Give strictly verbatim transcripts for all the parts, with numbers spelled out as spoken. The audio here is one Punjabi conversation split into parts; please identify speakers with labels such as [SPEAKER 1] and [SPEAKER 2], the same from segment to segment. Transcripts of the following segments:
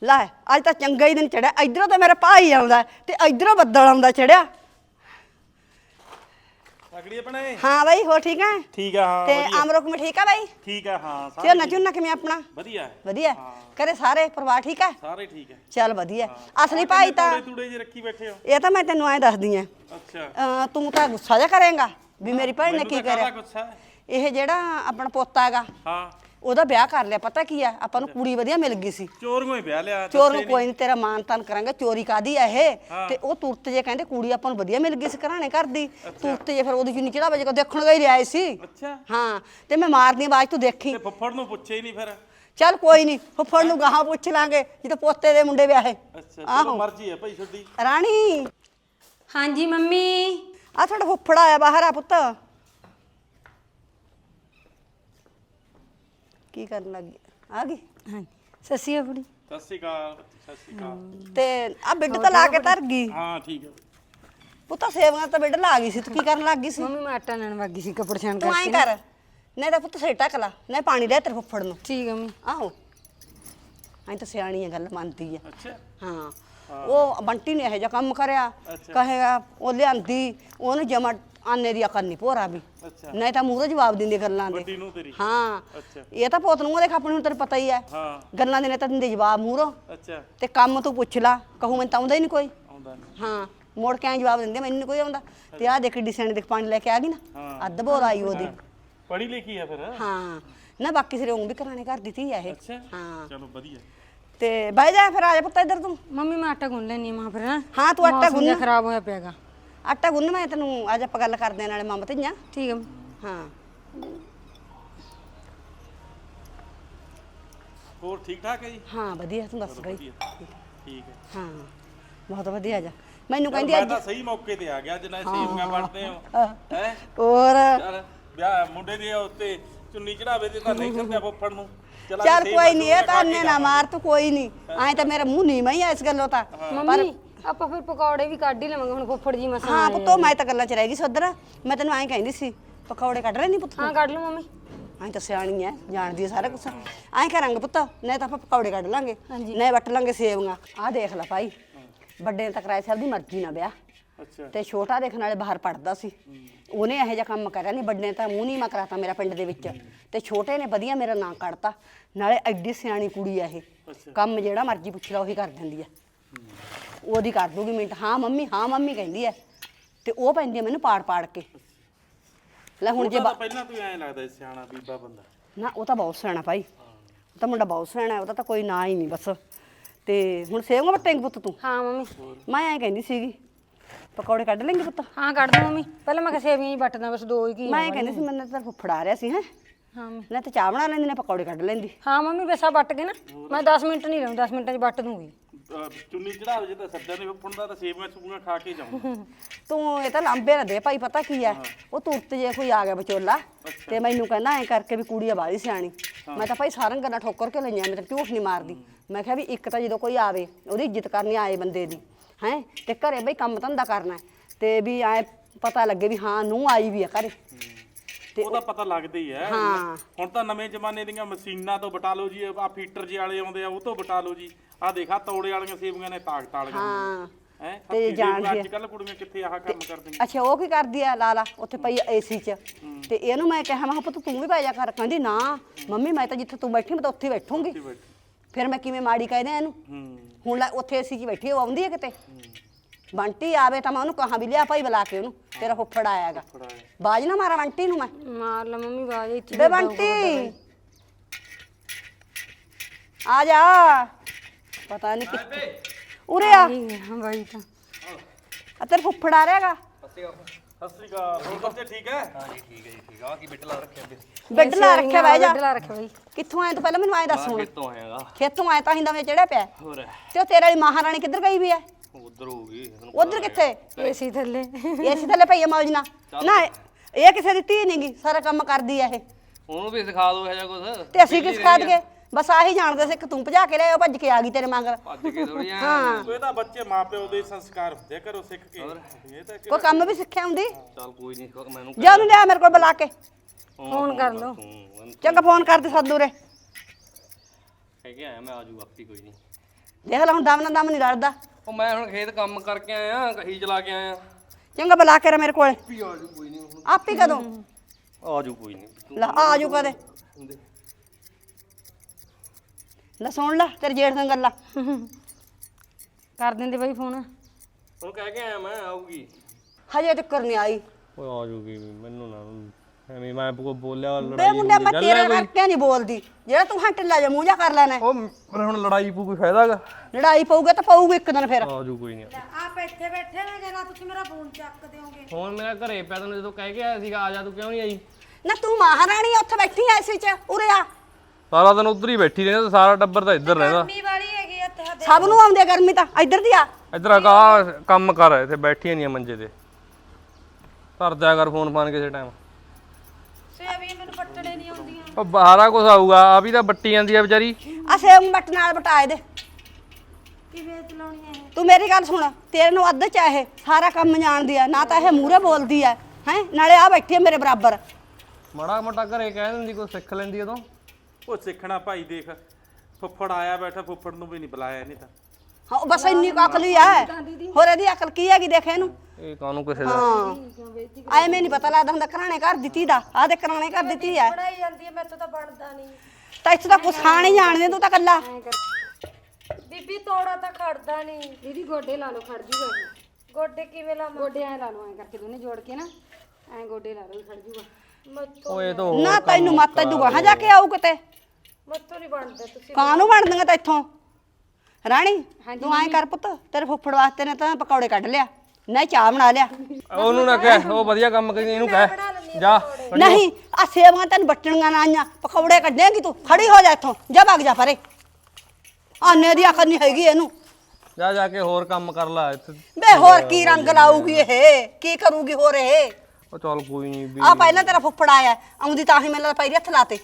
[SPEAKER 1] ਲੈ ਅੱਜ ਤਾਂ ਚੰਗਾ ਹੀ ਦਿਨ ਚੜਿਆ। ਇਧਰੋਂ ਤਾਂ ਮੇਰਾ ਭਾਈ ਆਉਂਦਾ ਤੇ ਇਧਰੋਂ ਬੱਦਲ ਆਉਂਦਾ ਚੜਿਆ।
[SPEAKER 2] ਤਗੜੀ ਆਪਣੇ
[SPEAKER 1] ਹਾਂ ਬਾਈ ਹੋ ਠੀਕ ਹੈ?
[SPEAKER 2] ਠੀਕ ਆ ਹਾਂ
[SPEAKER 1] ਤੇ
[SPEAKER 2] ਵਧੀਆ
[SPEAKER 1] ਅਮਰੋਕ ਮੈਂ ਠੀਕ ਆ ਬਾਈ?
[SPEAKER 2] ਠੀਕ ਆ ਹਾਂ ਸਾਰੇ
[SPEAKER 1] ਝੋਨਾ ਝੋਨਾ ਕਿਵੇਂ ਆਪਣਾ?
[SPEAKER 2] ਵਧੀਆ
[SPEAKER 1] ਵਧੀਆ ਘਰੇ ਸਾਰੇ ਪਰਿਵਾਰ ਠੀਕ ਆ?
[SPEAKER 2] ਸਾਰੇ ਠੀਕ ਹੈ।
[SPEAKER 1] ਚੱਲ ਵਧੀਆ। ਅਸਲੀ ਭਾਈ ਤਾਂ
[SPEAKER 2] ਤੂੜੇ ਤੂੜੇ ਜੇ ਰੱਖੀ ਬੈਠੇ ਹੋ।
[SPEAKER 1] ਇਹ ਤਾਂ ਮੈਂ ਤੈਨੂੰ ਐਂ ਦੱਸਦੀ ਆ।
[SPEAKER 2] ਅੱਛਾ
[SPEAKER 1] ਤੂੰ ਤਾਂ ਗੁੱਸਾ ਜਿਹਾ ਕਰੇਂਗਾ ਵੀ ਮੇਰੀ ਭੈਣ ਨੇ ਕੀ ਕਰਿਆ।
[SPEAKER 2] ਗੁੱਸਾ
[SPEAKER 1] ਇਹ ਜਿਹੜਾ ਆਪਣਾ ਪੋਤਾ ਹੈਗਾ
[SPEAKER 2] ਹਾਂ
[SPEAKER 1] ਉਹਦਾ ਵਿਆਹ ਕਰ ਲਿਆ। ਪਤਾ ਕੀ ਆ ਆਪਾਂ ਨੂੰ ਕੁੜੀ ਵਧੀਆ ਮਿਲ ਗਈ ਸੀ।
[SPEAKER 2] ਚੋਰੀਆਂ ਹੀ ਵਿਆਹ ਲਿਆ।
[SPEAKER 1] ਚੋਰ ਨੂੰ ਕੋਈ ਨਹੀਂ ਤੇਰਾ ਮਾਨ ਤਾਨ ਕਰਾਂਗੇ। ਚੋਰੀ ਕਾਦੀ ਆ ਇਹ? ਤੇ ਉਹ ਤੁਰਤ ਜੇ ਕਹਿੰਦੇ ਕੁੜੀ ਆਪਾਂ ਨੂੰ ਵਧੀਆ ਮਿਲ ਗਈ ਸੀ ਘਰਾਣੇ ਘਰ ਦੀ। ਤੁਰਤ ਜੇ ਫਿਰ ਉਹਦੀ ਚੁੰਨੀ ਚੜਾਵੇ ਜੇ ਦੇਖਣ ਗਈ ਰਿਆਏ ਸੀ।
[SPEAKER 2] ਅੱਛਾ
[SPEAKER 1] ਹਾਂ ਤੇ ਮੈਂ ਮਾਰਦੀ ਆਵਾਜ਼ ਤੂੰ ਦੇਖੀ।
[SPEAKER 2] ਤੇ ਫੁੱਫੜ ਨੂੰ ਪੁੱਛੇ ਹੀ ਨਹੀਂ ਫਿਰ।
[SPEAKER 1] ਚੱਲ ਕੋਈ ਨਹੀਂ ਫੁੱਫੜ ਨੂੰ ਗਾਹਾਂ ਪੁੱਛ ਲਾਂਗੇ ਜਦੋਂ ਪੋਤੇ ਦੇ ਮੁੰਡੇ ਵਿਆਹੇ।
[SPEAKER 2] ਅੱਛਾ ਚਲੋ ਮਰਜ਼ੀ ਹੈ ਭਾਈ ਛੱਡੀ।
[SPEAKER 1] ਰਾਣੀ
[SPEAKER 3] ਹਾਂਜੀ ਮੰਮੀ।
[SPEAKER 1] ਆ ਤੁਹਾਡਾ ਫੁੱਫੜ ਆਇਆ ਬਾਹਰ ਆ ਪੁੱਤ। ਕੀ ਕਰਨ ਲੱਗੀ? ਆ ਗਈ?
[SPEAKER 3] ਹਾਂਜੀ ਸਤਿ ਸ਼੍ਰੀ ਅਕਾਲ।
[SPEAKER 2] ਸਤਿ ਸ਼੍ਰੀ ਅਕਾਲ ਸਤਿ ਸ਼੍ਰੀ ਅਕਾਲ।
[SPEAKER 1] ਤੇ ਆ ਬਿੱਡ ਤਾਂ ਲਾ ਕੇ ਧਰ ਗਈ।
[SPEAKER 2] ਹਾਂ ਠੀਕ ਹੈ
[SPEAKER 1] ਪੁੱਤ ਸੇਵੀਆਂ ਤਾਂ ਬਿੱਡ ਲਾ ਗਈ ਸੀ। ਤੂੰ ਕੀ ਕਰਨ ਲੱਗ ਗਈ ਸੀ?
[SPEAKER 3] ਮੰਮੀ ਮੈਂ ਆਟਾ ਲੈਣ ਵਾਗੀ ਸੀ ਕੱਪੜੇ ਛਾਣ
[SPEAKER 1] ਤੂੰ ਐਂ
[SPEAKER 3] ਕਰਕੇ।
[SPEAKER 1] ਕਰ ਨਹੀਂ ਤਾਂ ਪੁੱਤ ਸਿਰ ਢੱਕ ਲਾ ਨਹੀਂ ਪਾਣੀ ਲੈ ਤੇਰੇ ਫੁੱਫੜ ਨੂੰ।
[SPEAKER 3] ਠੀਕ ਆ ਮੰਮੀ।
[SPEAKER 1] ਆਹੋ ਐਂ ਤਾਂ ਸਿਆਣੀ ਆ ਗੱਲ ਮੰਨਦੀ ਆ।
[SPEAKER 2] ਅੱਛਾ
[SPEAKER 1] ਹਾਂ ਉਹ ਬੰਟੀ ਨੇ ਇਹੋ ਜਿਹਾ ਕੰਮ ਕਰਿਆ ਕਹੇਗਾ ਉਹ ਲਿਆਂਦੀ ਉਹਨੂੰ ਜਮਾ ਆਨੇ ਦੀ ਅਕਲ ਨਹੀਂ ਭੋਰਾ ਵੀ।
[SPEAKER 2] ਅੱਛਾ
[SPEAKER 1] ਨਹੀਂ ਤਾਂ ਮੂਹਰੋਂ ਜਵਾਬ ਦਿੰਦੇ ਗੱਲਾਂ ਦੇ।
[SPEAKER 2] ਵੱਡੀ ਨੂੰ ਤੇਰੀ
[SPEAKER 1] ਹਾਂ
[SPEAKER 2] ਅੱਛਾ
[SPEAKER 1] ਇਹ ਤਾਂ ਪੁੱਤ ਨੂੰ ਉਹਦੇ ਖਾਪਣੇ ਨੂੰ ਤੈਨੂੰ ਪਤਾ ਹੀ ਹੈ।
[SPEAKER 2] ਹਾਂ
[SPEAKER 1] ਗੱਲਾਂ ਦੇ ਨੇ ਤਾਂ ਦਿੰਦੇ ਜਵਾਬ ਮੂਹਰੋਂ।
[SPEAKER 2] ਅੱਛਾ
[SPEAKER 1] ਤੇ ਕੰਮ ਤੂੰ ਪੁੱਛ ਲਾ ਕਹੂ ਮੈਨੂੰ ਤਾਂ ਆਉਂਦਾ ਹੀ ਨਹੀਂ ਕੋਈ।
[SPEAKER 2] ਆਉਂਦਾ ਨਹੀਂ।
[SPEAKER 1] ਹਾਂ ਮੋੜ ਕੇ ਐਂ ਜਵਾਬ ਦਿੰਦੇ ਮੈਨੂੰ ਨੀ ਕੋਈ ਆਉਂਦਾ। ਤੇ ਆਹ ਦੇਖ ਡਿਸੈਂਡ ਦੇਖ ਪਾਣੀ ਲੈ ਕੇ ਆ ਗਈ ਨਾ ਅੱਧ ਬੋਰ ਆਈ ਉਹਦੀ।
[SPEAKER 2] ਪੜ੍ਹੀ ਲਿਖੀ ਆ ਫਿਰ।
[SPEAKER 1] ਹਾਂ ਨਾ ਬਾਕੀ ਸਿਰੇ ਉਹ ਵੀ ਘਰਾਣੇ ਘਰ ਦਿੱਤੀ ਆ ਇਹ।
[SPEAKER 2] ਅੱਛਾ
[SPEAKER 1] ਹਾਂ
[SPEAKER 2] ਚਲੋ ਵਧੀਆ।
[SPEAKER 1] ਤੇ ਬਹਿ ਜਾ ਫਿਰ ਆ ਜਾ ਪੁੱਤ ਇੱਧਰ ਤੂੰ।
[SPEAKER 3] ਮੰਮੀ ਮੈਂ ਆਟਾ ਗੁੰਨ ਲੈਣੀ ਮਾਂ ਫਿਰ ਨਾ।
[SPEAKER 1] ਹਾਂ ਤੂੰ ਆਟਾ
[SPEAKER 3] ਮੌਸਮ
[SPEAKER 1] ਗੁੰਨ।
[SPEAKER 3] ਜਿਹਾ ਖਰਾਬ ਹੋਇਆ ਪਿਆਗਾ।
[SPEAKER 1] ਆਟਾ ਗੁੰਨ ਮੈਂ ਤੈਨੂੰ ਅੱਜ ਆਪਾਂ ਗੱਲ ਕਰਦੇ ਆ ਨਾਲੇ ਮਾਂ ਧੀਆਂ।
[SPEAKER 3] ਠੀਕ ਆ।
[SPEAKER 1] ਹਾਂ
[SPEAKER 2] ਹੋਰ ਠੀਕ ਠਾਕ ਹੈ ਜੀ?
[SPEAKER 1] ਹਾਂ ਵਧੀਆ ਤੂੰ ਦੱਸ ਬਈ।
[SPEAKER 2] ਵਧੀਆ ਠੀਕ ਹੈ।
[SPEAKER 1] ਹਾਂ ਬਹੁਤ ਵਧੀਆ ਜਾ ਮੈਨੂੰ
[SPEAKER 2] ਚੱਲ
[SPEAKER 1] ਕਹਿੰਦੀ
[SPEAKER 2] ਮੈਂ
[SPEAKER 1] ਅੱਜ
[SPEAKER 2] ਤਾਂ ਸਹੀ ਮੌਕੇ ਤੇ ਆ ਗਿਆ ਜਿੰਨਾ ਸੇਵੀਆਂ ਵੰਡਦੇ ਹੋ ਹੈ।
[SPEAKER 1] ਹੋਰ
[SPEAKER 2] ਚੱਲ ਵਿਆਹ ਮੁੰਡੇ ਦੇ ਉੱਤੇ ਚੁੰਨੀ ਚੜਾਵੇ ਤੇ ਤਾਂ ਨਹੀਂ ਕਰਦੇ ਫੁੱਫੜ ਨੂੰ।
[SPEAKER 1] ਚੱਲ ਕੋਈ ਨਹੀਂ ਇਹ ਤਾਂ ਅੰਨੇ ਨਾ ਮਾਰ ਤੂੰ ਕੋਈ ਨਹੀਂ ਐਂ ਤਾਂ ਮੇਰਾ ਮੂੰਹ ਨਹੀਂ ਮੈਂ ਇਸ ਗੱਲੋਂ ਤਾਂ।
[SPEAKER 3] ਮੰਮੀ ਆਪਾਂ ਫਿਰ ਪਕੌੜੇ ਵੀ ਕੱਢ ਹੀ ਲਵਾਂਗੇ ਹੁਣ ਫੁੱਫੜ ਜੀ ਮਸਾਂ।
[SPEAKER 1] ਹਾਂ ਪੁੱਤੋ ਮੈਂ ਤਾਂ ਗੱਲਾਂ ਚ ਰਹਿ ਗਈ ਸੋਦਰ। ਮੈਂ ਤੈਨੂੰ ਐਂ ਕਹਿੰਦੀ ਸੀ ਪਕੌੜੇ ਕੱਢ ਰਹੇ ਨਹੀਂ ਪੁੱਤ?
[SPEAKER 3] ਹਾਂ ਕੱਢ ਲਓ ਮੰਮੀ।
[SPEAKER 1] ਐਂ ਤਾਂ ਸਿਆਣੀ ਐ ਜਾਣਦੀ ਐ ਸਾਰਾ ਕੁਛ। ਐਂ ਕਰਾਂਗੇ ਪੁੱਤ ਨਹੀਂ ਤਾਂ ਆਪਾਂ ਪਕੌੜੇ ਕੱਢ ਲਾਂਗੇ ਨਹੀਂ ਵੱਟ ਲਾਂਗੇ ਸੇਵੀਆਂ। ਆਹ ਦੇਖ ਲੈ ਭਾਈ ਵੱਡੇ ਨੇ ਤਾਂ ਕਰਾਇਆ ਸਭ ਦੀ ਮਰਜ਼ੀ ਨਾਲ ਵਿਆਹ।
[SPEAKER 2] ਅੱਛਾ
[SPEAKER 1] ਤੇ ਛੋਟਾ ਦੇਖਣ ਵਾਲੇ ਬਾਹਰ ਪੜਦਾ ਸੀ। ਉਹਨੇ ਇਹੋ ਜਿਹਾ ਕੰਮ ਕਰਿਆ ਨਹੀਂ। ਵੱਡੇ ਨੇ ਤਾਂ ਮੂੰਹ ਨਹੀਂ ਮਾ ਕਰਾਤਾ ਮੇਰਾ ਪਿੰਡ ਦੇ ਵਿੱਚ। ਤੇ ਛੋਟੇ ਨੇ ਵਧੀਆ ਮੇਰਾ ਨਾਂ ਕੱਢਤਾ। ਨਾਲੇ ਐਡੀ ਸਿਆਣੀ ਕੁੜੀ ਆ ਇਹ। ਕੰਮ ਜਿਹੜਾ ਮਰਜ਼ੀ ਪੁੱਛ ਲਾ ਉਹੀ ਕਰ ਦਿੰਦੀ ਐ। ਉਹਦੀ ਕਰ ਦੂਗੀ ਮਿੰਟ ਹਾਂ ਮੰਮੀ ਹਾਂ ਮੰਮੀ ਕਹਿੰਦੀ ਐ। ਤੇ ਉਹ ਪੈਂਦੀ ਐ ਮੈਨੂੰ ਪਾੜ ਪਾੜ ਕੇ। ਲੈ ਹੁਣ ਜੇ
[SPEAKER 2] ਪਹਿਲਾਂ ਤੂੰ ਐਂ ਲੱਗਦਾ ਸਿਆਣਾ ਬੀਬਾ ਬੰਦਾ।
[SPEAKER 1] ਨਾ ਉਹ ਤਾਂ ਬਹੁਤ ਸਿਆਣਾ ਭਾਈ। ਉਹ ਤਾਂ ਮੁੰਡਾ ਬਹੁਤ ਸਿਆਣਾ। ਉਹਦਾ ਤਾਂ ਕੋਈ ਨਾਂ ਹੀ ਨਹੀਂ ਬਸ। ਤੇ ਹੁਣ ਸੇਵੀਆਂ ਵੱਟੇਂਗੀ ਪੁੱਤ ਤੂੰ?
[SPEAKER 3] ਹਾਂ ਮੰਮੀ।
[SPEAKER 1] ਮੈਂ ਐਂ ਕਹਿੰਦੀ ਸੀਗੀ ਪਕੌੜੇ ਕੱਢ ਲੈਂਗੇ ਪੁੱਤ?
[SPEAKER 3] ਹਾਂ ਕੱਢ ਦੋ ਮੰਮੀ। ਪਹਿਲਾਂ ਮੈਂ ਕਿਹਾ ਸੇਵੀਆਂ ਹੀ ਵੱਟਦਾ ਬਸ ਦੋ ਹੀ ਕੀ।
[SPEAKER 1] ਮੈਂ ਕਹਿੰਦੀ ਸੀ ਮੈਨੂੰ ਤਾਂ ਫੁੱਫੜ ਆ ਰਿਹਾ ਸੀ ਹੈ।
[SPEAKER 3] ਹਾਂ
[SPEAKER 1] ਨਾ ਤੇ ਚਾਹ ਬਣਾ ਲੈਂਦੀ ਨੇ ਪਕੌੜੇ ਕੱਢ ਲੈਂਦੀ।
[SPEAKER 3] ਹਾਂ ਮੰਮੀ ਬਸ ਆ ਵੱਟ ਕੇ ਨਾ ਮੈਂ ਦਸ ਮਿੰਟ ਨਹੀਂ ਲਾਉਂ ਦਸ ਮਿੰਟਾਂ 'ਚ ਵੱਟ ਦੂੰਗੀ।
[SPEAKER 2] ਚੁੰਨੀ ਚੜਾਵੇ ਜੇ ਤਾਂ ਸੱਜਾ ਨਹੀਂ ਫੁੱਫੜ ਦਾ ਤਾਂ ਸੇਵੀਆਂ ਸੂਗੀਆਂ ਖਾ ਕੇ ਜਾਊਂ।
[SPEAKER 1] ਤੂੰ ਇਹ ਤਾਂ ਲਾਂਬੇ ਨਾ ਦੇ ਭਾਈ। ਪਤਾ ਕੀ ਆ ਉਹ ਤੁਰਤ ਜੇ ਕੋਈ ਆ ਗਿਆ ਵਿਚੋਲਾ ਤੇ ਮੈਨੂੰ ਕਹਿੰਦਾ ਐਂ ਕਰਕੇ ਵੀ ਕੁੜੀ ਆ ਬਾਹਲੀ ਸਿਆਣੀ। ਮੈਂ ਤਾਂ ਭਾਈ ਸਾਰੀਆਂ ਗੱਲਾਂ ਠੋਕਰ ਕੇ ਲਈਆਂ। ਮੈਂ ਤਾਂ ਝੂਠ ਨਹੀਂ ਮਾਰਦੀ। ਮੈਂ ਕਿਹਾ ਵੀ ਇੱਕ ਤਾਂ ਜਦੋਂ ਕੋਈ ਆਵੇ ਉਹਦੀ ਇੱਜ਼ਤ ਕਰਨੀ ਆਏ ਬੰਦੇ ਦੀ ਹੈ। ਤੇ ਘਰੇ ਬਈ ਕੰਮ ਧੰਦਾ ਕਰਨਾ ਤੇ ਵੀ ਐ ਪਤਾ ਲੱਗੇ ਵੀ ਹਾਂ ਨੂੰਹ ਆਈ ਵੀ ਆ ਘਰੇ।
[SPEAKER 2] ਤੇ ਉਹਦਾ ਪਤਾ ਲੱਗਦਾ ਹੀ ਹੈ। ਹੁਣ ਤਾਂ ਨਵੇਂ ਜ਼ਮਾਨੇ ਦੀਆਂ ਮਸ਼ੀਨਾਂ ਤੋਂ ਬਟਾ ਲਓ ਜੀ। ਆ ਫੀਟਰ ਜੇ ਵਾਲੇ ਆਉਂਦੇ ਆ ਉਹ ਤੋਂ ਬਟਾ ਲਓ ਜੀ। ਆ ਦੇਖਾ ਤੋੜੇ ਵਾਲੀਆਂ ਸੇਵੀਆਂ ਨੇ ਤਾਕਤ ਵਾਲੀਆਂ।
[SPEAKER 1] ਹਾਂ
[SPEAKER 2] ਹੈ
[SPEAKER 1] ਤੇ ਜਾਣਦੀ
[SPEAKER 2] ਅੱਜ ਕੱਲ ਕੁੜੀਆਂ ਕਿੱਥੇ ਆਹ ਕੰਮ ਕਰਦੀਆਂ।
[SPEAKER 1] ਅੱਛਾ ਉਹ ਕੀ ਕਰਦੀ ਆ ਲਾਲਾ ਉੱਥੇ ਪਈ ਏਸੀ 'ਚ। ਤੇ ਇਹਨੂੰ ਮੈਂ ਕਿਹਾ ਮੈਂ ਪੁੱਤ ਤੂੰ ਵੀ ਪੈ ਜਾ ਕਰ। ਕਹਿੰਦੀ ਨਾ ਮੰਮੀ ਮੈਂ ਤਾਂ ਜਿੱਥੇ ਤੂੰ ਬੈਠੀ ਮੈਂ ਤਾਂ ਉੱਥੇ ਬੈਠੂੰਗੀ। ਫਿਰ ਮੈਂ ਕਿਵੇਂ ਮਾੜੀ ਕਹਿ ਦਿਆਂ ਇਹਨੂੰ। ਹੁਣ ਲੈ ਉੱਥੇ ਏਸੀ 'ਚ ਬੈਠੀ ਉਹ ਆਉਂਦੀ ਹੈ ਕਿਤੇ। ਬੰਟੀ ਆਵੇ ਤਾਂ ਮੈਂ ਉਹਨੂੰ ਕਹਾਂ ਵੀ ਲਿਆ ਭਾਈ ਬੁਲਾ ਕੇ ਉਹਨੂੰ ਤੇਰਾ ਫੁੱਫੜ ਆਇਆਗਾ। ਬਾਜ ਨਾ ਮਾਰਾ ਬੰਟੀ ਨੂੰ ਮੈਂ।
[SPEAKER 3] ਮਾਰ ਲਾ ਮੰਮੀ ਬਾਜ ਇੱਥੇ।
[SPEAKER 1] ਬੇ ਬੰਟੀ ਆ ਜਾ। ਪਤਾ ਨਹੀਂ ਕਿੱਥੇ ਉਰੇ ਆ।
[SPEAKER 3] ਹਾਂ ਬਾਈ ਤਾਂ
[SPEAKER 1] ਆ ਤੇਰਾ ਫੁੱਫੜ ਆ ਰਿਹਾਗਾ।
[SPEAKER 2] ਸਤਿ ਸ੍ਰੀ ਅਕਾਲ। ਹੋਰ ਬੱਚੇ ਠੀਕ ਹੈ?
[SPEAKER 4] ਹਾਂਜੀ ਠੀਕ ਹੈ ਜੀ ਠੀਕ ਆ। ਕੀ ਬਿੱਟ ਲਾ ਰੱਖਿਆ ਬੇ?
[SPEAKER 1] ਬੈੱਡ ਲਾ ਰੱਖਿਆ ਬਹਿ ਜਾ।
[SPEAKER 3] ਬੈੱਡ ਲਾ ਰੱਖਿਆ ਬਾਈ।
[SPEAKER 1] ਕਿੱਥੋਂ ਆਇਆ ਤੂੰ ਪਹਿਲਾਂ ਮੈਨੂੰ ਐਂ ਦੱਸ ਹੁਣ।
[SPEAKER 4] ਕਿੱਥੋਂ ਆਇਆਗਾ?
[SPEAKER 1] ਖੇਤੋਂ ਆਇਆ ਤਾਂ ਹੀ ਦਵੇਂ ਚੜਿਆ ਪਿਆ।
[SPEAKER 4] ਹੋਰ
[SPEAKER 1] ਤੇ ਉਹ ਤੇਰੇ ਵਾਲੀ ਮਹਾਰਾਣੀ ਕਿੱਧਰ ਗਈ ਵੀ ਐ?
[SPEAKER 4] ਉਧਰ ਹੋ ਗਈ।
[SPEAKER 1] ਉਧਰ ਕਿੱਥੇ?
[SPEAKER 3] ਏਸੀ ਥੱਲੇ।
[SPEAKER 1] ਏਸੀ ਥੱਲੇ ਪਈ ਆ ਮੌਜਨਾ। ਨਾ ਇਹ ਕਿਸੇ ਦੀ ਧੀ ਨਹੀਂਗੀ ਸਾਰਾ ਕੰਮ ਕਰਦੀ ਆ ਇਹ।
[SPEAKER 4] ਉਹਨੂੰ ਵੀ ਸਿਖਾ ਦੋ ਇਹ ਜਿਹਾ ਕੁਝ।
[SPEAKER 1] ਤੇ ਅਸੀਂ ਕੀ ਸਿਖਾ ਦਈਏ? ਬਸ ਆਹੀ ਜਾਣਦੇ ਸੀ ਕਿ ਤੂੰ ਭਜਾ ਕੇ ਲਿਆਓ ਭੱਜ ਕੇ ਆ ਗਈ ਤੇਰੇ ਮਗਰ।
[SPEAKER 4] ਭੱਜ ਕੇ ਥੋੜੀ ਆ।
[SPEAKER 1] ਹਾਂ
[SPEAKER 2] ਇਹ ਤਾਂ ਬੱਚੇ ਮਾਪਿਓ ਦੇ ਸੰਸਕਾਰ ਹੁੰਦੇ ਘਰੋਂ ਸਿੱਖ ਕੇ। ਇਹ ਤਾਂ
[SPEAKER 1] ਕੋਈ ਕੰਮ ਵੀ ਸਿੱਖਿਆ ਹੁੰਦੀ।
[SPEAKER 4] ਚੱਲ ਕੋਈ ਨਹੀਂ ਮੈਨੂੰ
[SPEAKER 1] ਜਾ ਉਹਨੂੰ ਲਿਆ ਮੇਰੇ ਕੋਲ ਬੁਲਾ ਕੇ।
[SPEAKER 3] ਫੋਨ ਕਰ ਲਓ।
[SPEAKER 1] ਚੰਗਾ ਫੋਨ ਕਰ ਦੇ ਸੱਦੂ ਰੇ।
[SPEAKER 4] ਕਹਿ ਕੇ ਆਇਆ ਮੈਂ ਆਜੂ ਆਪੀ ਕੋਈ ਨਹੀਂ।
[SPEAKER 1] ਦੇਖ ਲੈ ਹੁਣ ਦਮ ਨਾਲ ਦਮ ਨਹੀਂ ਲੜਦਾ।
[SPEAKER 4] ਉਹ ਮੈਂ ਹੁਣ ਖੇਤ ਕੰਮ ਕਰਕੇ ਆਇਆ ਕਹੀ ਚਲਾ ਕੇ ਆਇਆ
[SPEAKER 1] ਚੰਗਾ ਬੁਲਾ ਕੇ ਰ ਮੇਰੇ ਕੋਲ
[SPEAKER 4] ਵੀ ਆ ਜੂ ਕੋਈ ਨਹੀਂ
[SPEAKER 1] ਆਪ ਹੀ ਕਦੋਂ
[SPEAKER 4] ਆ ਜੂ ਕੋਈ ਨਹੀਂ
[SPEAKER 1] ਲੈ ਆ ਜੂ ਕਦੇ ਲੈ ਸੁਣ ਲੈ ਤੇਰੇ ਜੇਠ ਦੀਆਂ ਗੱਲਾਂ
[SPEAKER 3] ਕਰ ਦਿੰਦੇ ਬਈ ਫੋਨ।
[SPEAKER 4] ਹੁਣ ਕਹਿ ਕੇ ਆਇਆ ਮੈਂ ਆਊਗੀ
[SPEAKER 1] ਹਜੇ ਤੱਕ ਨਹੀਂ ਆਈ।
[SPEAKER 4] ਓਏ ਆ ਜੂਗੀ ਮੈਨੂੰ ਨਾ ਐਵੇਂ ਮੈਂ ਕੋ ਬੋਲਿਆ
[SPEAKER 1] ਬੇ ਮੁੰਡਾ ਮੈਂ ਤੇਰੇ ਕਰਕੇ ਨਹੀਂ ਬੋਲਦੀ ਜਿਹੜਾ ਤੂੰ ਹੱਟ ਲੈ ਜਾ ਮੂੰਹ ਜਾ ਕਰ ਲੈਣਾ।
[SPEAKER 4] ਉਹ ਹੁਣ ਲੜਾਈ ਪੂ ਕੋਈ ਫਾਇਦਾ ਹੈਗਾ
[SPEAKER 1] ਲੜਾਈ ਪਊਗਾ ਤਾਂ ਪਊਗਾ ਇੱਕ ਦਿਨ ਫਿਰ।
[SPEAKER 4] ਆ ਜੂ ਕੋਈ ਨਹੀਂ
[SPEAKER 5] ਆਪ ਇੱਥੇ ਬੈਠੇ ਨੇ ਜਨਾ ਤੁਸੀਂ ਮੇਰਾ ਫੋਨ ਚੱਕ ਦਿਓਗੇ।
[SPEAKER 4] ਫੋਨ ਮੇਰਾ ਘਰੇ ਪਿਆ ਤੈਨੂੰ ਜਦੋਂ ਕਹਿ ਕੇ ਆਇਆ ਸੀਗਾ ਆ ਜਾ ਤੂੰ ਕਿਉਂ ਨਹੀਂ ਆਈ
[SPEAKER 1] ਨਾ ਤੂੰ ਮਹਾਰਾਣੀ ਉੱਥੇ ਬੈਠੀ ਐ ਐਸੀ ਚ ਉਰੇ ਆ।
[SPEAKER 4] ਸਾਰਾ ਦਿਨ ਉਧਰ ਹੀ ਬੈਠੀ ਰਹਿੰਦਾ ਸਾਰਾ ਟੱਬਰ ਤਾਂ ਇੱਧਰ ਰਹਿੰਦਾ
[SPEAKER 5] ਗਰਮੀ ਵਾਲੀ ਹੈਗੀ ਆ ਤੇ
[SPEAKER 1] ਸਭ ਨੂੰ ਆਉਂਦੀ ਆ ਗਰਮੀ ਤਾਂ ਇੱਧਰ ਦੀ ਆ।
[SPEAKER 4] ਇੱਧਰ ਆ ਕਾ ਕੰਮ ਕਰ ਇੱਥੇ ਬੈਠੀਆਂ ਨਹੀਂ ਮੰਜੇ ਤੇ ਧਰ ਦਿਆ ਕਰ ਫੋਨ ਫਾਨ ਕਿਸੇ ਟਾਈਮ
[SPEAKER 5] ਸੇਵੀਆਂ ਮੈਨੂੰ ਪੱਟਣੇ ਨਹੀਂ ਆਉਂਦੀਆਂ।
[SPEAKER 4] ਉਹ ਬਾਹਰਾ ਕੁਛ ਆਊਗਾ ਆ ਵੀ ਤਾਂ ਬੱਟੀ ਜਾਂਦੀ ਆ ਵਿਚਾਰੀ
[SPEAKER 1] ਆ ਸੇਮ ਬੱਟ ਨਾਲ ਬਟਾਏ ਦੇ।
[SPEAKER 5] ਕਿਵੇਂ ਚਲਾਉਣੀ ਹੈ ਇਹ?
[SPEAKER 1] ਤੂੰ ਮੇਰੀ ਗੱਲ ਸੁਣ ਤੇਰੇ ਨੂੰ ਅੱਧ ਚ ਆ ਇਹ ਸਾਰਾ ਕੰਮ ਜਾਣਦੀ ਆ ਨਾ ਤਾਂ ਇਹ ਮੂਹਰੇ ਬੋਲਦੀ ਆ ਹੈ ਨਾਲੇ ਆ ਬੈਠੀ ਆ ਮੇਰੇ ਬਰਾਬਰ।
[SPEAKER 4] ਮਾੜਾ ਮੋਟਾ ਘਰੇ ਕਹਿ ਦਿੰਦੀ ਕੋਈ ਸਿੱਖ ਲੈਂਦੀ ਉਦੋਂ
[SPEAKER 2] ਉਹ ਸਿੱਖਣਾ ਭਾਈ ਦੇਖ ਫੁੱਫੜ ਆਇਆ ਬੈਠਾ ਫੁੱਫੜ ਨੂੰ ਵੀ ਨਹੀਂ ਬੁਲਾਇਆ ਇਹਨੇ ਤਾਂ
[SPEAKER 1] ਹਾਂ ਬਸ ਇੰਨੀ ਕੁ ਅਕਲ ਹੀ ਆ ਹੋਰ ਇਹਦੀ ਅਕਲ ਕੀ ਹੈਗੀ ਦੇਖ ਇਹਨੂੰ।
[SPEAKER 4] ਇਹ ਕਾਹਨੂੰ ਕਿਸੇ ਦਾ
[SPEAKER 1] ਹਾਂ ਐਵੇਂ ਨਹੀਂ ਪਤਾ ਲੱਗਦਾ ਹੁੰਦਾ ਘਰਾਣੇ ਘਰ ਦਿੱਤੀ ਦਾ ਆ ਤੇ ਘਰਾਣੇ ਘਰ ਦਿੱਤੀ ਆ
[SPEAKER 5] ਬਣਾਈ ਜਾਂਦੀ ਹੈ ਮੈਥੋਂ ਤਾਂ ਬਣਦਾ ਨਹੀਂ।
[SPEAKER 1] ਤਾਂ ਇੱਥੇ ਤਾਂ ਕੁਛ ਖਾਣ ਹੀ ਜਾਣਦੇ ਤੂੰ ਤਾਂ ਕੱਲਾ।
[SPEAKER 5] ਬੀਬੀ ਤੋੜਾ ਤਾਂ ਖੜਦਾ ਨਹੀਂ।
[SPEAKER 3] ਦੀਦੀ ਗੋਡੇ ਲਾ ਲਓ ਖੜ ਜੂਗਾ ਇਹ।
[SPEAKER 5] ਗੋਡੇ ਕਿਵੇਂ ਲਾਵਾਂ?
[SPEAKER 3] ਗੋਡੇ ਐ ਲਾ ਲਓ ਐ ਕਰਕੇ ਦੋਨੇ ਜੋੜ ਕੇ ਨਾ ਐ ਗੋਡੇ ਲਾ ਲਓ ਖੜ ਜੂਗਾ।
[SPEAKER 5] ਮੈਥੋਂ
[SPEAKER 4] ਓਏ ਤਾਂ
[SPEAKER 1] ਨਾ ਤੈਨੂੰ ਮੱਤ ਤੂੰ ਗਾਹਾਂ ਜਾ ਕੇ ਆਊ ਕਿਤੇ
[SPEAKER 5] ਮੈਥੋਂ ਨਹੀਂ ਬਣਦਾ ਤੁਸੀਂ
[SPEAKER 1] ਕਾਹਨੂੰ ਬਣਦੀਆਂ ਤਾਂ ਇੱਥੋਂ ਰਾਣੀ ਤੂੰ ਐਂ ਕਰ ਪੁੱਤ ਤੇਰੇ ਫੁੱਫੜ ਵਾਸਤੇ ਨੇ ਤਾਂ ਪਕੌੜੇ ਕੱਢ ਲਿਆ ਨਹੀਂ ਚਾਹ ਬਣਾ ਲਿਆ।
[SPEAKER 4] ਉਹਨੂੰ ਨਾ ਕਹਿ ਉਹ ਵਧੀਆ ਕੰਮ ਕਰੀ ਇਹਨੂੰ ਕਹਿ ਜਾ
[SPEAKER 1] ਨਹੀਂ ਆ ਸੇਵਾਂ ਤੈਨੂੰ ਬੱਟਣੀਆਂ ਨਾ ਆਈਆਂ ਪਕੌੜੇ ਕੱਢੇਂਗੀ ਤੂੰ ਖੜੀ ਹੋ ਜਾ ਇੱਥੋਂ ਜਾ ਭੱਗ ਜਾ ਪਰੇ ਆਨੇ ਦੀ ਅਕਲ ਨਹੀਂ ਹੈਗੀ ਇਹਨੂੰ।
[SPEAKER 4] ਜਾ ਜਾ ਕੇ ਹੋਰ ਕੰਮ ਕਰ ਲੈ ਇੱਥੇ
[SPEAKER 1] ਬੇ ਹੋਰ ਕੀ ਰੰਗ ਲਾਊਗੀ ਇਹ ਕੀ ਕਰੂਗੀ ਹੋਰ ਇਹ।
[SPEAKER 4] ਉਹ ਚੱਲ ਕੋਈ ਨਹੀਂ ਵੀ
[SPEAKER 1] ਆ ਪਹਿਲਾਂ ਤੇਰਾ ਫੁੱਫੜ ਆਇਆ ਆਉਂਦੀ ਤਾਂ ਹੀ ਮੈਨੂੰ ਪੈਰੀ ਹੱਥ ਲਾਤੇ।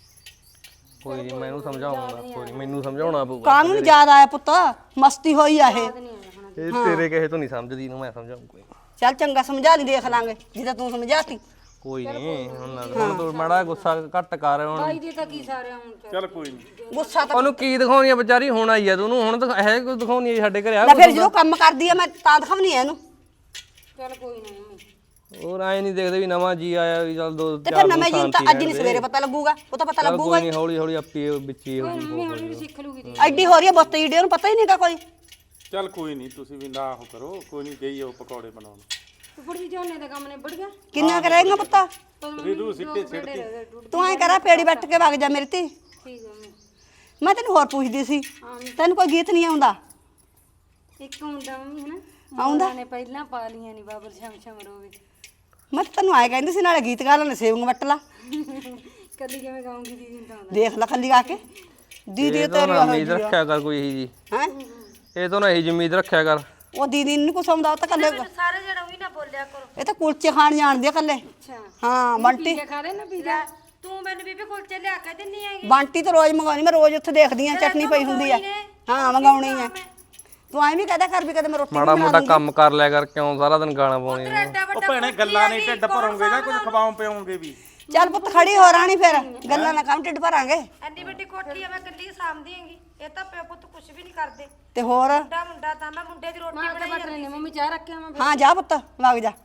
[SPEAKER 4] ਕੋਈ ਨਹੀਂ ਮੈਨੂੰ ਸਮਝਾਉਣਾ ਕੋਈ ਨੀ, ਮੈਨੂੰ ਸਮਝਾਉਣਾ ਪਊਗਾ
[SPEAKER 1] ਕਾਨੂੰਨ ਯਾਦ ਆਇਆ ਪੁੱਤ ਮਸਤੀ ਹੋਈ ਆ ਇਹ।
[SPEAKER 4] ਇਹ ਤੇਰੇ ਕਹੇ ਤੋਂ ਨਹੀਂ ਸਮਝਦੀ ਇਹਨੂੰ ਮੈਂ ਸਮਝਾਉਂ ਕੋਈ
[SPEAKER 1] ਚੱਲ ਚੰਗਾ ਸਮਝਾ ਲਈ ਦੇਖ ਲਾਂਗੇ ਜਿੱਦਾਂ ਤੂੰ ਸਮਝਾਤੀ।
[SPEAKER 4] ਕੋਈ ਨਹੀਂ ਹੁਣ ਨਾ ਹੁਣ ਤੂੰ ਮਾੜਾ ਗੁੱਸਾ ਘੱਟ ਕਰ ਹੁਣ
[SPEAKER 3] ਬਾਈ ਦੇ ਤਾਂ ਕੀ ਸਾਰੇ ਹੁਣ
[SPEAKER 2] ਚੱਲ ਕੋਈ ਨਹੀਂ
[SPEAKER 1] ਗੁੱਸਾ ਤਾਂ
[SPEAKER 4] ਉਹਨੂੰ ਕੀ ਦਿਖਾਉਣੀ ਆ ਵਿਚਾਰੀ ਹੁਣ ਆਈ ਆ ਤੂੰ ਉਹਨੂੰ ਹੁਣ ਦਿਖਾ- ਇਹ ਕੁਝ ਦਿਖਾਉਣੀ ਆ ਸਾਡੇ ਘਰੇ ਆ
[SPEAKER 1] ਲੈ ਫਿਰ ਜਦੋਂ ਕੰਮ ਕਰਦੀ ਆ ਮੈਂ ਤਾਂ ਦਿਖਾਉਣੀ ਆ ਇਹਨੂੰ।
[SPEAKER 3] ਚੱਲ ਕੋਈ ਨਹੀਂ ਮੰਮੀ।
[SPEAKER 4] ਹੋਰ ਆਏ ਨਹੀਂ ਦੇਖਦੇ ਵੀ ਨਵਾਂ ਜੀ ਆਇਆ ਵੀ ਚੱਲ ਦੋ
[SPEAKER 1] ਤੇ ਫਿਰ ਨਵੇਂ ਜਿਨ ਤਾਂ ਅੱਜ ਨਹੀਂ ਸਵੇਰੇ ਪਤਾ ਲੱਗੂਗਾ ਉਹ ਤਾਂ ਪਤਾ ਲੱਗੂਗਾ
[SPEAKER 4] ਕੋਈ ਨਹੀਂ ਹੌਲੀ ਹੌਲੀ ਆਪੀ ਵਿੱਚ ਹੀ ਹੋ ਜੂ
[SPEAKER 3] ਮੰਮੀ ਹੌਲੀ ਹੌਲੀ ਸਿੱਖ ਲੂਗੀ ਦੀ।
[SPEAKER 1] ਐਡੀ ਹੋ ਰਹੀ ਹੈ ਬੁੱਤ ਈਡੇ ਉਹਨੂੰ ਪਤਾ ਹੀ ਨਹੀਂਗਾ ਕੋਈ।
[SPEAKER 2] ਚੱਲ ਕੋਈ ਨਹੀਂ ਤੁਸੀਂ ਵੀ ਨਾ ਉਹ ਕਰੋ ਕੋਈ ਨਹੀਂ ਗਈ ਉਹ ਪਕੌੜੇ ਬਣਾਉਣ
[SPEAKER 3] ਉੱਪਰ ਦੀ ਝੋਨੇ ਦਾ ਕੰਮ ਨਿਬੜ ਗਿਆ।
[SPEAKER 1] ਕਿੰਨਾ ਕਰੇਗਾ ਪੁੱਤਾ
[SPEAKER 2] ਰਿਦੂ ਸਿੱਟੇ ਸਿੱਟਦੀ
[SPEAKER 1] ਤੂੰ ਐਂ ਕਰਾ ਪੇੜੀ ਬੱਟ ਕੇ ਵਗ ਜਾ ਮੇਰੇ ਤੇ।
[SPEAKER 3] ਠੀਕ ਹੈ ਮੰਮੀ।
[SPEAKER 1] ਮੈਂ ਤੈਨੂੰ ਹੋਰ ਪੁੱਛਦੀ ਸੀ ਤੈਨੂੰ ਕੋਈ ਗੀਤ ਨਹੀਂ ਆਉਂਦਾ?
[SPEAKER 3] ਇੱਕ ਹੁੰਦਾ ਮੰਮੀ ਹਨਾ
[SPEAKER 1] ਆਉਂਦਾ?
[SPEAKER 3] ਨੇ ਪਹਿਲਾਂ ਪਾ ਲੀਆਂ ਨਹੀਂ ਬਾਬਰ ਸ਼ਮ ਸ਼ਮ ਰੋਵੇ।
[SPEAKER 1] ਮੈਂ ਤਾਂ ਤੈਨੂੰ ਆਏ ਕਹਿੰਦੀ ਸੀ ਨਾਲੇ ਗੀਤ ਗਾ ਲੈਣੇ ਸੇਵੰਗ ਵੱਟ ਲਾ।
[SPEAKER 3] ਕਦੀ ਕਿਵੇਂ ਗਾਉਂਗੀ ਦੀਦੀ ਨੂੰ ਤਾਂ ਆਉਂਦਾ।
[SPEAKER 1] ਦੇਖ ਲੈ ਖੱਲੀ ਗਾ ਕੇ ਦੀਦੀ
[SPEAKER 4] ਇਹ
[SPEAKER 1] ਤੇਰੀ
[SPEAKER 4] ਤਾਂ
[SPEAKER 1] ਉਹ
[SPEAKER 4] ਉਮੀਦ ਰੱਖਿਆ ਕਰ ਕੋਈ ਇਹੀ ਜੀ
[SPEAKER 1] ਹੈ
[SPEAKER 4] ਇਹ ਤੋਂ ਨਾ ਇਹੀ ਉਮੀਦ ਰੱਖਿਆ ਕਰ
[SPEAKER 1] ਉਹ ਦੀਦੀ ਨੂੰ ਕੁਛ ਆਉਂਦਾ ਉਹ ਤਾਂ ਕੱਲੇ
[SPEAKER 5] ਸਾਰੇ ਜਣਾ ਵੀ ਨਾ ਬੋਲਿਆ ਕਰੋ।
[SPEAKER 1] ਇਹ ਤਾਂ ਕੁਲਚੇ ਖਾਣ ਜਾਣਦੀ ਆ ਕੱਲੇ।
[SPEAKER 3] ਅੱਛਾ
[SPEAKER 1] ਹਾਂ ਬੰਟੀ
[SPEAKER 3] ਪੀਜ਼ਾ ਖਾ ਲੈ ਨਾ ਪੀਜ਼ਾ।
[SPEAKER 5] ਤੂੰ ਮੈਨੂੰ ਬੀਬੀ ਕੁਲਚੇ ਲਿਆ ਕੇ ਦਿੰਨੀ ਹੈਗੀ।
[SPEAKER 1] ਬੰਟੀ ਤਾਂ ਰੋਜ਼ ਮੰਗਾਉਣੀ ਮੈਂ ਰੋਜ਼ ਉੱਥੇ ਦੇਖਦੀ ਆ ਚਟਨੀ ਪਈ ਹੁੰਦੀ ਆ। ਹਾਂ ਮੰਗਾਉਣੀ ਆ ਤੂੰ ਐਂ ਵੀ ਕਹਦਾ ਕਰ ਵੀ ਕਦੇ ਮੈਂ ਰੋਟੀ
[SPEAKER 4] ਮਾੜਾ ਮੋਟਾ ਕੰਮ ਕਰ ਲਿਆ ਕਰ ਕਿਉਂ ਸਾਰਾ ਦਿਨ ਗਾਣਾ ਪਾਉਣੀ
[SPEAKER 5] ਐਡਾ
[SPEAKER 2] ਉਹ
[SPEAKER 5] ਵੱਡਾ
[SPEAKER 2] ਭੈਣੇ ਗੱਲਾਂ ਨਹੀਂ ਢਿੱਡ ਭਰੋਂਗੇ ਜਾਂ ਕੁਝ ਖਵਾਉਂ ਪਿਆਉਂਗੇ ਵੀ।
[SPEAKER 1] ਚੱਲ ਪੁੱਤ ਖੜੀ ਹੋ ਰਾਣੀ ਫਿਰ ਗੱਲਾਂ ਨਾ ਕੰਮ ਢਿੱਡ ਭਰਾਂਗੇ।
[SPEAKER 5] ਐਡੀ ਵੱਡੀ ਕੋਠੀ ਆ ਮੈਂ ਕੱਲੀ ਸਾਂਭਦੀ ਹੈਗੀ। ਇਹ ਤਾਂ ਪਿਓ ਪੁੱਤ ਕੁਝ ਵੀ ਨਹੀਂ ਕਰਦੇ।
[SPEAKER 1] ਤੇ ਹੋਰ
[SPEAKER 5] ਮੁੰਡਾ ਮੁੰਡਾ ਤਾਂ ਮੈਂ ਮੁੰਡੇ ਦੀ ਰੋਟੀ
[SPEAKER 3] ਮਾਂ ਕੇ
[SPEAKER 5] ਬਣਾਈ
[SPEAKER 3] ਬਟਨੇ ਨੇ ਮੰਮੀ ਚਾਹ ਰੱਖਿਆ ਮੈਂ।
[SPEAKER 1] ਹਾਂ ਜਾ ਪੁੱਤ ਵਗ ਜਾ।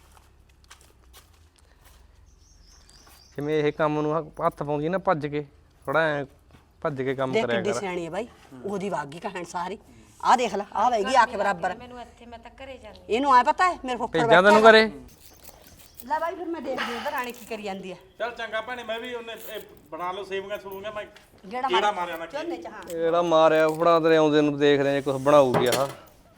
[SPEAKER 4] ਜਿਵੇਂ ਇਹ ਕੰਮ ਨੂੰ ਹੱਥ ਪਾਉਂਦੀ ਨਾ ਭੱਜ ਕੇ ਥੋੜਾ ਐ ਭੱਜ ਕੇ ਕੰਮ
[SPEAKER 1] ਦੇਖ
[SPEAKER 4] ਕਰਿਆ
[SPEAKER 1] ਕਿੱਡੀ
[SPEAKER 4] ਕਰ
[SPEAKER 1] ਸਿਆਣੀ ਹੈ ਬਾਈ ਉਹਦੀ ਵਾਗੀ ਕਹਿਣ ਸਾਰੀ ਆਹ ਦੇਖ ਲੈ ਆਹ ਵੈਗੀ ਆ ਕੇ ਬਰਾਬਰ
[SPEAKER 5] ਮੈਨੂੰ ਇੱਥੇ ਮੈਂ ਤਾਂ ਘਰੇ ਜਾਂਦੀ।
[SPEAKER 1] ਇਹਨੂੰ ਆ ਪਤਾ ਹੈ ਮੇਰੇ ਫੁੱਫੜ
[SPEAKER 4] ਭੇਜਾਂ ਤੈਨੂੰ ਕਰੇ
[SPEAKER 1] ਲੈ ਬਾਈ ਫਿਰ ਮੈਂ ਦੇਖਦੀ ਉਧਰ ਰਾਣੀ ਕੀ ਕਰੀ ਜਾਂਦੀ ਆ।
[SPEAKER 2] ਚੱਲ ਚੰਗਾ ਭੈਣੇ ਮੈਂ ਵੀ ਉਹਨੇ ਇਹ ਬਣਾ ਲਓ ਸੇਵੀਆਂ ਸੁਣੂਗਾ ਮੈਂ
[SPEAKER 1] ਜਿਹੜਾ
[SPEAKER 2] ਕਿਹੜਾ ਮਾਰਿਆ ਨਾ
[SPEAKER 1] ਝੋਨੇ ਚ ਹਾਂ
[SPEAKER 4] ਜਿਹੜਾ ਮਾਰਿਆ ਫੜਾ ਤੇਰੇ ਆਉਂਦੇ ਨੂੰ ਦੇਖ ਰਹੇ ਕੁਝ ਬਣਾਊਗੀ ਆਹ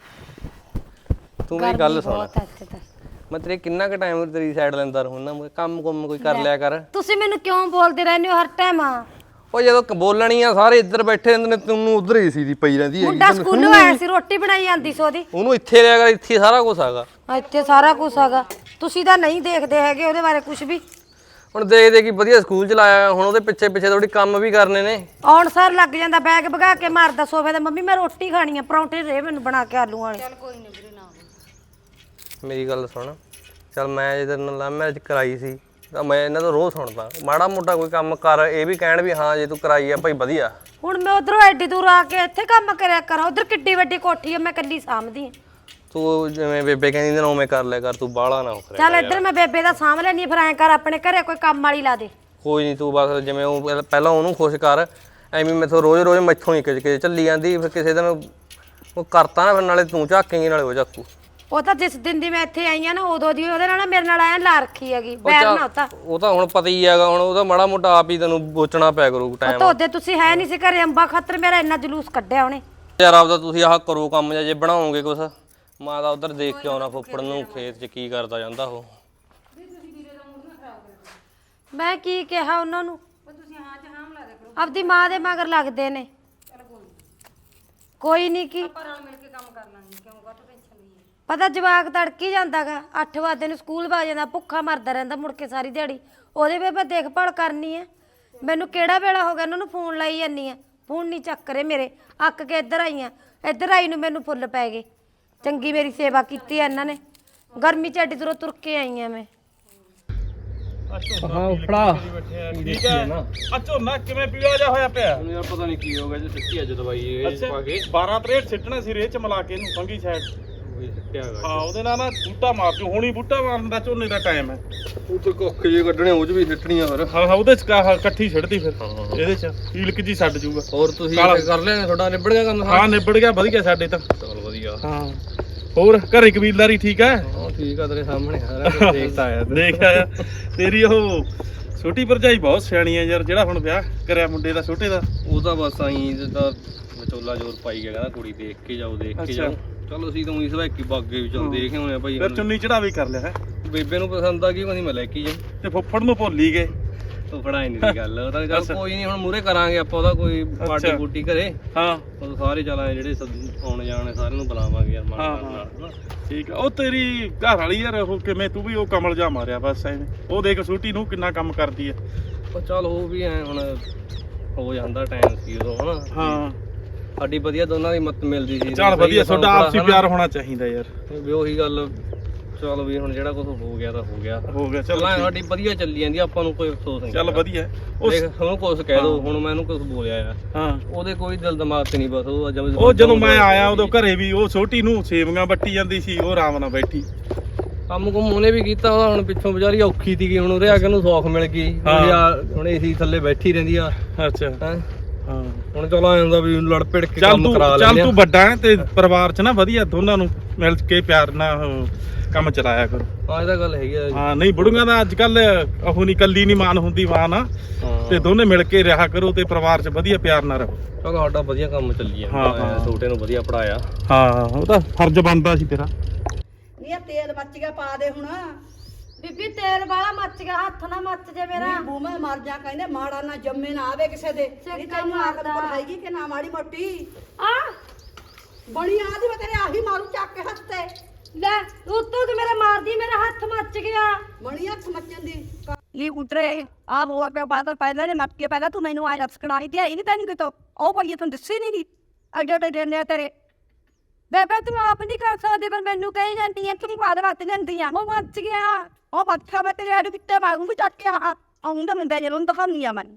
[SPEAKER 4] ਤੂੰ ਮੇਰੀ ਗੱਲ ਸੁਣ
[SPEAKER 3] ਬਹੁਤ ਇੱਥੇ ਤਾਂ
[SPEAKER 4] ਮੈਂ ਤੇਰੇ ਕਿੰਨਾ ਕੁ ਟਾਈਮ ਤੇਰੀ ਸਾਈਡ ਲੈਂਦਾ ਰਹੂੰ ਨਾ ਮੈਂ ਕੰਮ ਕੁੰਮ ਕੋਈ ਕਰ ਲਿਆ ਕਰ
[SPEAKER 3] ਤੁਸੀਂ ਮੈਨੂੰ ਕਿਉਂ ਬੋਲਦੇ ਰਹਿੰਦੇ ਹੋ ਹਰ ਟਾਈਮ?
[SPEAKER 4] ਉਹ ਜਦੋਂ ਕ- ਬੋਲਣੀ ਆ ਸਾਰੇ ਇੱਧਰ ਬੈਠੇ ਰਹਿੰਦੇ ਨੇ ਤੈਨੂੰ ਉਧਰ ਹੀ ਸੀ ਦੀ ਪਈ ਰਹਿੰਦੀ ਹੈਗੀ
[SPEAKER 3] ਮੁੰਡਾ ਸਕੂਲੋਂ ਆਇਆ ਸੀ ਰੋਟੀ ਬਣਾਈ ਜਾਂਦੀ ਸੀ ਉਹਦੀ।
[SPEAKER 4] ਉਹਨੂੰ ਇੱਥੇ ਲਿਆ ਕਰ ਇੱਥੇ ਸਾਰਾ ਕੁਝ ਹੈਗਾ
[SPEAKER 3] ਇੱਥੇ ਸਾਰਾ ਕੁਝ ਹੈਗਾ ਤੁਸੀਂ ਤਾਂ ਨਹੀਂ ਦੇਖਦੇ ਹੈਗੇ ਉਹਦੇ ਬਾਰੇ ਕੁਝ ਵੀ।
[SPEAKER 4] ਹੁਣ ਦੇਖ ਦੇ ਕਿ ਵਧੀਆ ਸਕੂਲ ਚ ਲਾਇਆ ਹੁਣ ਉਹਦੇ ਪਿੱਛੇ ਪਿੱਛੇ ਥੋੜੀ ਕੰਮ ਵੀ ਕਰਨੇ ਨੇ
[SPEAKER 3] ਆਉਣ ਸਾਰ ਲੱਗ ਜਾਂਦਾ ਬੈਗ ਭਗਾ ਕੇ ਮਾਰਦਾ ਸੋਫੇ ਤੇ ਮੰਮੀ ਮੈਂ ਰੋਟੀ ਖਾਣੀ ਆ ਪਰੌਂਠੇ ਦੇ ਮੈਨੂੰ ਬਣਾ ਕੇ ਆਲੂ ਵਾਲੇ। ਚੱਲ ਕੋਈ ਨਹੀਂ ਵੀਰੇ ਨਾ
[SPEAKER 4] ਮੇਰੀ ਗੱਲ ਸੁਣ ਚੱਲ ਮੈਂ ਜਦੋਂ ਲਵ ਮੈਰਿਜ ਕਰਾਈ ਸੀ ਤਾਂ ਮੈਂ ਇਹਨਾਂ ਤੋਂ ਰੋਜ਼ ਸੁਣਦਾ ਮਾੜਾ ਮੋਟਾ ਕੋਈ ਕੰਮ ਕਰ, ਇਹ ਵੀ ਕਹਿਣ ਵੀ ਹਾਂ ਜੇ ਤੂੰ ਕਰਾਈ ਆ ਭਾਈ ਵਧੀਆ।
[SPEAKER 3] ਹੁਣ ਮੈਂ ਉਧਰੋਂ ਐਡੀ ਦੂਰ ਆ ਕੇ ਇੱਥੇ ਕੰਮ ਕਰਿਆ ਕਰਾਂ, ਉਧਰ ਕਿੱਡੀ ਵੱਡੀ ਕੋਠੀ ਆ, ਮੈਂ ਇਕੱਲੀ ਸਾਂਭਦੀ ਆ।
[SPEAKER 4] ਤੂੰ ਜਿਵੇਂ ਬੇਬੇ ਕਹਿੰਦੀ ਨਾ ਉਵੇਂ ਕਰ ਲਿਆ ਕਰ, ਤੂੰ ਬਾਹਲਾ ਨਾ ਹੋ ਕਰਿਆ।
[SPEAKER 3] ਚੱਲ ਇੱਧਰ ਮੈਂ ਬੇਬੇ ਦਾ ਸਾਂਭ ਲੈਣੀ, ਫਿਰ ਐਂ ਕਰ ਆਪਣੇ ਘਰੇ ਕੋਈ ਕੰਮ ਵਾਲੀ ਲਾ ਦੇ।
[SPEAKER 4] ਕੋਈ ਨਹੀਂ, ਤੂੰ ਬਸ ਜਿਵੇਂ ਉਹ ਪਹਿਲਾਂ- ਪਹਿਲਾਂ ਉਹਨੂੰ ਖੁਸ਼ ਕਰ, ਐਵੇਂ ਮੈਥੋਂ ਰੋਜ਼ ਰੋਜ਼ ਮੈਥੋਂ ਹੀ ਕਿਚ ਕਿਚ ਚੱਲੀ ਜਾਂਦੀ, ਫਿਰ ਕਿਸੇ ਦਿਨ ਉਹ ਕਰਤਾ ਨਾ ਫਿਰ ਨਾਲੇ ਤੂੰ ਝਾਕੇਂਗੀ ਨਾਲੇ ਉਹ ਝਾਕੂ।
[SPEAKER 3] ਉਹ ਤਾਂ ਜਿਸ ਦਿਨ ਦੀ ਮੈਂ ਇੱਥੇ ਆਈ ਆ ਨਾ ਉਦੋਂ ਦੀ ਉਹਦੇ ਨਾਲ ਨਾ ਮੇਰੇ ਨਾਲ ਐਂ ਲਾ ਰੱਖੀ ਹੈਗੀ, ਬੈਰ ਨਾ ਉਹ ਤਾਂ।
[SPEAKER 4] ਉਹ ਤਾਂ ਹੁਣ ਪਤਾ ਹੀ ਹੈਗਾ, ਹੁਣ ਉਹਦਾ ਮਾੜਾ ਮੋਟਾ ਆਪ ਹੀ ਤੈਨੂੰ ਬੋਚਣਾ ਪਿਆ ਕਰੂ ਟਾਈਮ।
[SPEAKER 3] ਤਾਂ ਉਹਦੇ ਤੁਸੀਂ ਹੈ ਨਹੀਂ ਸੀ ਘਰੇ, ਅੰਬਾ ਖਾਤਰ ਮੇਰਾ ਇੰਨਾ ਜਲੂਸ ਕੱਢਿਆ ਉਹਨੇ।
[SPEAKER 4] ਯਾਰ ਆਪਦਾ ਤੁਸੀਂ ਆਹ ਕਰੋ ਕੰਮ ਜਾਂ ਜੇ ਬਣਾਓਗੇ ਕੁਛ, ਮੈਂ ਤਾਂ ਉਧਰ ਦੇਖ ਕੇ ਆਉਣਾ ਫੁੱਫੜ ਨੂੰ ਖੇਤ 'ਚ ਕੀ ਕਰਦਾ ਜਾਂਦਾ ਉਹ।
[SPEAKER 3] ਮੈਂ ਕੀ ਕਿਹਾ ਉਹਨਾਂ ਨੂੰ, ਆਪਦੀ ਮਾਂ ਦੇ ਮਗਰ ਲੱਗਦੇ ਨੇ। ਕੋਈ ਨਹੀਂ ਕੀ ਪਤਾ, ਜਵਾਕ ਤੜਕੀ ਜਾਂਦਾਗਾ ਅੱਠ ਵਜੇ ਨੂੰ ਸਕੂਲ ਵਾ ਜਾਂਦਾ, ਭੁੱਖਾ ਮਰਦਾ ਰਹਿੰਦਾ ਮੁੜ ਕੇ ਸਾਰੀ ਦਿਹਾੜੀ। ਉਹਦੇ ਵੀ ਮੈਂ ਦੇਖਭਾਲ ਕਰਨੀ ਹੈ। ਮੈਨੂੰ ਕਿਹੜਾ ਵੇਲਾ ਹੋ ਗਿਆ ਉਹਨਾਂ ਨੂੰ ਫੋਨ ਲਾਈ ਜਾਂਦੀ ਆ, ਫੋਨ ਨਹੀਂ ਚੱਕ ਰਹੇ ਮੇਰੇ। ਅੱਕ ਕੇ ਇੱਧਰ ਆਈ ਆ, ਇੱਧਰ ਆਈ ਨੂੰ ਮੈਨੂੰ ਫੁੱਲ ਪੈ ਗਏ। ਚੰਗੀ ਮੇਰੀ ਸੇਵਾ ਕੀਤੀ ਆ ਇਹਨਾਂ ਨੇ, ਗਰਮੀ 'ਚ ਐਡੀ ਦੂਰੋਂ ਤੁਰ ਕੇ ਆਈ ਆ ਮੈਂ।
[SPEAKER 4] ਹਾਂ ਫੜਾ
[SPEAKER 2] ਠੀਕ ਹੈ ਆ ਝੋਨਾ ਕਿਵੇਂ ਪੀਲਾ ਜਾ ਹੋਇਆ ਪਿਆ
[SPEAKER 4] ਯਾਰ, ਪਤਾ ਨਹੀਂ ਕੀ ਹੋ ਗਿਆ ਜੇ ਸਿੱਟੀ ਅੱਜ ਦਵਾਈ ਇਹ ਪਾ ਕੇ
[SPEAKER 2] ਬਾਰਾਂ ਤਰੇਹਠ ਸਿੱਟਣਾ ਸੀ ਰੇਹ ਚ ਮਿਲਾ ਕੇ ਇਹਨੂੰ ਫੰਗੀ ਸਾਈਡ।
[SPEAKER 4] ਉਹੀ ਸਿੱਟਿਆ ਹੈਗਾ।
[SPEAKER 2] ਹਾਂ ਉਹਦੇ ਨਾਲ ਨਾ ਬੂਟਾ ਮਾਰ ਦਿਓ, ਹੁਣੀ ਬੂਟਾ ਮਾਰਨ ਦਾ ਝੋਨੇ ਦਾ ਟਾਈਮ ਹੈ।
[SPEAKER 4] ਉਹ ਤੇ ਕੁੱਖ ਜੇ ਕੱਢਣੇ ਉਹ 'ਚ ਵੀ ਸਿੱਟਣੀਆਂ ਫਿਰ।
[SPEAKER 2] ਹਾਂ ਹਾਂ ਉਹਦੇ ਚ ਕਾ- ਇਕੱਠੀ ਛੱਡਦੀ ਫਿਰ ਇਹਦੇ ਚ ਈਲਕ ਜੀ ਛੱਡ ਜੂਗਾ।
[SPEAKER 4] ਹੋਰ ਤੁਸੀਂ ਕਰ ਲਿਆ ਤੁਹਾਡਾ ਨਿਬੜ ਗਿਆ ਕੰਮ?
[SPEAKER 2] ਹਾਂ ਨਿਬੜ ਗਿਆ, ਵਧੀਆ ਸਾਡੇ ਤਾਂ।
[SPEAKER 4] ਚਲ ਵਧੀਆ।
[SPEAKER 2] ਹਾਂ ਹੋਰ ਘਰੇ ਕਬੀਲਦਾਰੀ ਠੀਕ ਹੈ?
[SPEAKER 4] ਹਾਂ ਠੀਕ ਆ, ਤੇਰੇ ਸਾਹਮਣੇ ਸਾਰਾ ਕੁਝ ਦੇਖਦਾ ਆਇਆ ਤੂੰ।
[SPEAKER 2] ਦੇਖ ਆਇਆ। ਤੇਰੀ ਉਹ ਛੋਟੀ ਭਰਜਾਈ ਬਹੁਤ ਸਿਆਣੀ ਹੈ ਯਾਰ, ਜਿਹੜਾ ਹੁਣ ਵਿਆਹ ਕਰਿਆ ਮੁੰਡੇ ਦਾ ਛੋਟੇ ਦਾ।
[SPEAKER 4] ਉਹ ਤਾਂ ਬਸ ਆਈ ਜਿੱਦਾਂ ਵਿਚੋਲਾ ਜ਼ੋਰ ਪਾਈ ਗਿਆ, ਕਹਿੰਦਾ ਕੁੜੀ ਦੇਖ ਕੇ ਜਾਓ ਦੇਖ ਕੇ ਜਾਓ। ਚਲੋ ਅਸੀਂ ਤਾਂ ਉਹੀ ਸਵਾਕੀ ਬਾਗੇ ਵਿੱਚੋਂ ਦੇਖ ਆਉਣੇ ਆ ਭਾਈ।
[SPEAKER 2] ਫਿਰ ਚੁੰਨੀ ਚੜਾਵੇ ਕਰ ਲਿਆ ਹੈ।
[SPEAKER 4] ਬੇਬੇ ਨੂੰ ਪਸੰਦ ਆ ਗਈ, ਕਹਿੰਦੀ ਮੈਂ ਲੈ ਕੇ ਜਾ।
[SPEAKER 2] ਤੇ ਫੁੱਫੜ ਨੂੰ ਭੁੱਲ ਹੀ ਗਏ।
[SPEAKER 4] ਉਹ ਫੜਾਈ ਨਹੀਂ ਦੀ ਗੱਲ, ਉਹ ਤਾਂ ਚੱਲ ਕੋਈ ਨਹੀਂ, ਹੁਣ ਮੂਰੇ ਕਰਾਂਗੇ ਆਪਾਂ ਉਹਦਾ ਕੋਈ ਪਾਰਟੀ ਬੂਟੀ ਘਰੇ।
[SPEAKER 2] ਹਾਂ
[SPEAKER 4] ਉਹ ਸਾਰੇ ਚਲਾਏ ਜਿਹੜੇ ਆਉਣ ਜਾਣੇ ਸਾਰਿਆਂ ਨੂੰ ਬੁਲਾਵਾਂਗੇ ਯਾਰ ਮਾਨ ਨਾਲ।
[SPEAKER 2] ਠੀਕ ਆ। ਉਹ ਤੇਰੀ ਘਰ ਵਾਲੀ ਯਾਰ ਉਹ ਕਿਵੇਂ, ਤੂੰ ਵੀ ਉਹ ਕਮਲ ਜਾ ਮਾਰਿਆ ਬਸ ਐਵੇਂ। ਉਹ ਦੇਖ ਛੋਟੀ ਨੂੰ ਕਿੰਨਾ ਕੰਮ ਕਰਦੀ ਹੈ।
[SPEAKER 4] ਉਹ ਚੱਲ ਉਹ ਵੀ ਐ ਹੁਣ ਹੋ ਜਾਂਦਾ ਟਾਈਮ ਸੀ ਉਦੋਂ ਹਨਾ।
[SPEAKER 2] ਹਾਂ
[SPEAKER 4] ਸਾਡੀ ਵਧੀਆ ਦੋਨਾਂ ਦੀ ਮਤ ਮਿਲਦੀ ਸੀ।
[SPEAKER 2] ਚੱਲ ਵਧੀਆ, ਤੁਹਾਡਾ ਆਪਸੀ ਪਿਆਰ ਹੋਣਾ ਚਾਹੀਦਾ ਯਾਰ।
[SPEAKER 4] ਵੀ ਉਹੀ ਗੱਲ, ਚਲ ਵੀ ਹੁਣ ਜਿਹੜਾ ਕੁਝ ਹੋ ਗਿਆ ਤਾਂ ਹੋ ਗਿਆ
[SPEAKER 2] ਹੋ ਗਿਆ। ਚੱਲ
[SPEAKER 4] ਸਾਡੀ ਵਧੀਆ ਚੱਲੀ ਜਾਂਦੀ, ਆਪਾਂ ਨੂੰ ਕੋਈ ਅਫਸੋਸ ਨਹੀਂ।
[SPEAKER 2] ਚੱਲ ਵਧੀਆ। ਉਹ
[SPEAKER 4] ਦੇਖ ਉਹਨੂੰ ਕੁਝ ਕਹਿ ਦੋ, ਹੁਣ ਮੈਂ ਉਹਨੂੰ ਕੁਝ ਬੋਲਿਆ ਆ,
[SPEAKER 2] ਹਾਂ
[SPEAKER 4] ਉਹਦੇ ਕੋਈ ਦਿਲ ਦਿਮਾਗ ਤੇ ਨਹੀਂ, ਬਸ ਉਹ ਜਦ
[SPEAKER 2] ਉਹ ਜਦੋਂ ਮੈਂ ਆਇਆ ਉਦੋਂ ਘਰੇ ਵੀ ਉਹ ਛੋਟੀ ਨੂੰ ਸੇਵੀਆਂ ਵੱਟੀ ਜਾਂਦੀ ਸੀ, ਉਹ ਆਰਾਮ ਨਾਲ ਬੈਠੀ।
[SPEAKER 4] ਕੰਮ ਕੁਮ ਉਹਨੇ ਵੀ ਕੀਤਾ, ਉਹਦਾ ਹੁਣ ਪਿੱਛੋਂ ਵਿਚਾਰੀ ਔਖੀ ਸੀਗੀ, ਹੁਣ ਉਰੇ ਆ ਕੇ ਉਹਨੂੰ ਸੌਖ ਮਿਲ ਗਈ। ਹੁਣ ਏਸੀ ਥੱਲੇ ਬੈਠੀ ਰਹਿੰਦੀ ਆ।
[SPEAKER 2] ਅੱਛਾ
[SPEAKER 4] ਹੈਂ
[SPEAKER 2] ਹਾਂ
[SPEAKER 4] ਹੁਣ ਚਲੋ ਆ ਜਾਂਦਾ ਵੀ ਲੜ ਪਿੜ ਕੇ
[SPEAKER 2] ਚੱਲ
[SPEAKER 4] ਕੰਮ
[SPEAKER 2] ਤੂੰ
[SPEAKER 4] ਕਰਾ
[SPEAKER 2] ਚੱਲ
[SPEAKER 4] ਲੈਂਦੇ
[SPEAKER 2] ਤੂੰ ਵੱਡਾ ਹੈ ਤੇ ਪਰਿਵਾਰ ਚ ਨਾ ਵਧੀਆ ਦੋਨਾਂ ਨੂੰ ਮਿਲ ਕੇ ਪਿਆਰ ਨਾਲ ਉਹ ਕੰਮ ਚਲਾਇਆ ਕਰੋ।
[SPEAKER 4] ਹਾਂ ਇਹ ਤਾਂ ਗੱਲ ਹੈਗੀ ਆ।
[SPEAKER 2] ਹਾਂ ਨਹੀਂ ਬੁੜੀਆਂ ਦਾ ਅੱਜ ਕੱਲ ਉਹ ਨਹੀਂ, ਕੱਲੀ ਨਹੀਂ ਮਾਨ ਹੁੰਦੀ ਮਾਂ ਨਾ, ਤੇ ਦੋਨੇ ਮਿਲ ਕੇ ਰਿਹਾ ਕਰੋ ਤੇ ਪਰਿਵਾਰ ਚ ਵਧੀਆ ਪਿਆਰ ਨਾਲ ਰਹੋ।
[SPEAKER 4] ਚਲੋ ਸਾਡਾ ਵਧੀਆ ਕੰਮ ਚੱਲੀ ਜਾਂਦਾ, ਛੋਟੇ ਨੂੰ ਵਧੀਆ ਪੜਾਇਆ।
[SPEAKER 2] ਹਾਂ ਉਹ ਤਾਂ ਫਰਜ਼ ਬਣਦਾ ਸੀ ਤੇਰਾ।
[SPEAKER 1] ਨਹੀਂ ਆ ਤੇਲ ਮੱਚ ਗਿਆ, ਪਾ ਦੇ ਹੁਣ।
[SPEAKER 3] ਬੀਬੀ ਤੇਲ ਵਾਲਾ ਮੱਚ ਗਿਆ, ਹੱਥ ਨਾ ਮੱਚ ਜੇ ਮੇਰਾ।
[SPEAKER 1] ਨਹੀਂ ਬੂਮੇ ਮਰ ਜਾ, ਕਹਿੰਦੇ ਮਾੜਾ ਨਾ ਜੰਮੇ ਨਾ ਆਵੇ ਕਿਸੇ ਦੇ। ਨਹੀਂ ਤੈਨੂੰ ਆਕਲ ਕੋਲ ਹੈਗੀ ਕਿ ਨਾ ਮਾੜੀ ਮੋਟੀ
[SPEAKER 3] ਆ
[SPEAKER 1] ਬਣੀ ਆਦੀ, ਮੈਂ ਤੇਰੇ ਆਹੀ ਮਾਰੂ ਚੱਕ ਕੇ ਹੱਥ ਤੇ।
[SPEAKER 3] ਲੈ ਉੱਤੋਂ ਤੇ ਮੇਰਾ ਮਾਰਦੀ, ਮੇਰਾ ਹੱਥ ਮੱਚ ਗਿਆ।
[SPEAKER 1] ਬਣੀ ਹੱਥ ਮੱਚਣ ਦੀ।
[SPEAKER 6] ये उतरे आप वो पे बात पहले ने मत के पहले तू मैनू आया सब्सक्राइब दिया इनी तैਨੂੰ तो ओ भाई तुम दस्सी नहीं अगे ते देने तेरे बेबे तू आप नहीं कर सकदे पर मैनू कही जाती है तू बात बात लेंदी है वो मच गया ओ बच्चा मैं तेरे अड़ किते मारूंगी चट के हां आऊंगा मैं बेजे रून तो हम नहीं मन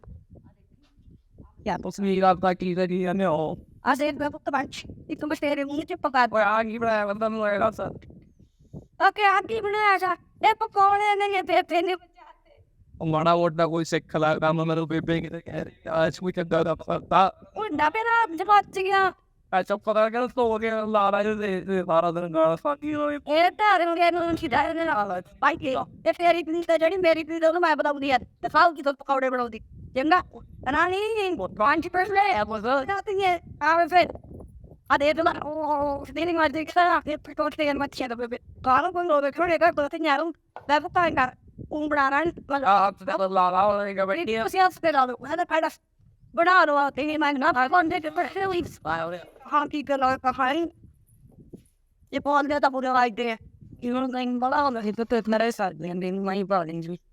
[SPEAKER 6] या तो समीर आपका की करी है ओ आज एक बात बच एक तुम तेरे मुंह च पका दो आगे बड़ा बंदा मेरा सर ओके आगे बनाया जा ए पकौड़े ने ये बेबे ने
[SPEAKER 7] माड़ा मोटा कोई सिख ला काम मेरे बेबे के कह रहे आज कोई चंगा का पता
[SPEAKER 6] उन्ना पे ना जब बच गया
[SPEAKER 7] अच्छा पता कर तो हो गया ला रहा है सारा दिन गाना साकी होए
[SPEAKER 6] ਇਹ ਧਾਰ ਨੂੰ ਗਏ ਨੂੰ ਸਿਧਾਰੇ ਨੇ ਨਾਲ ਪਾਈ ਕੇ ਤੇ ਫੇਰੀ ਪੀਣੀ ਤੇ ਜਿਹੜੀ ਮੇਰੀ ਪੀਣੀ ਉਹਨੂੰ ਮੈਂ ਬਤਾਉਂਦੀ ਆ ਤੇ ਸਾਲ ਕੀ ਤੋਂ ਪਕੌੜੇ ਬਣਾਉਂਦੀ ਚੰਗਾ ਰਾਣੀ ਪੰਜ ਪਰਸਲੇ ਆ ਬਸ ਨਾਤੀ ਹੈ ਆਵੇ ਫਿਰ ਆ ਦੇ ਦੇ ਉਹ ਸਟੇਰਿੰਗ ਮਾਰ ਦੇ ਖਾ ਤੇ ਪਕੌੜੇ ਤੇ ਮੱਛੀ ਦਾ ਬੇਬੇ ਕਾਲ ਕੋਲ ਉਹ ਖੜੇ ਕਰ ਬਤ ਨਿਆਰੂ ਦਾ ਪਤਾ ਕਰ ਉਹ ਬਣਾ ਰਾਂ
[SPEAKER 7] आप तो ला रहा हो गया भाई
[SPEAKER 6] ਤੁਸੀਂ ਆਪ ਤੇ ਲਾ ਲਓ ਇਹਦਾ ਫਾਇਦਾ ਬਣਾ ਲਓ ਤੇ ਮੈਂ ਨਾ ਭਾਗੋਂ ਦੇ ਪਰ ਹੀ ਹਾਂ ਕੀ ਕਰ ਲਾ ਕਹਾਣੀ ਇਹ ਪਾਲ ਗਿਆ ਤਾਂ ਪੂਰੇ ਲਾਈਟ ਦੇ ਇਹਨਾਂ ਨੂੰ ਨਹੀਂ ਬੜਾ ਹੁੰਦਾ ਸੀ ਤੇ ਮੇਰੇ ਸਾਥ ਦੇ ਨੇ ਮੈਂ ਪਾ ਲਈ ਜੀ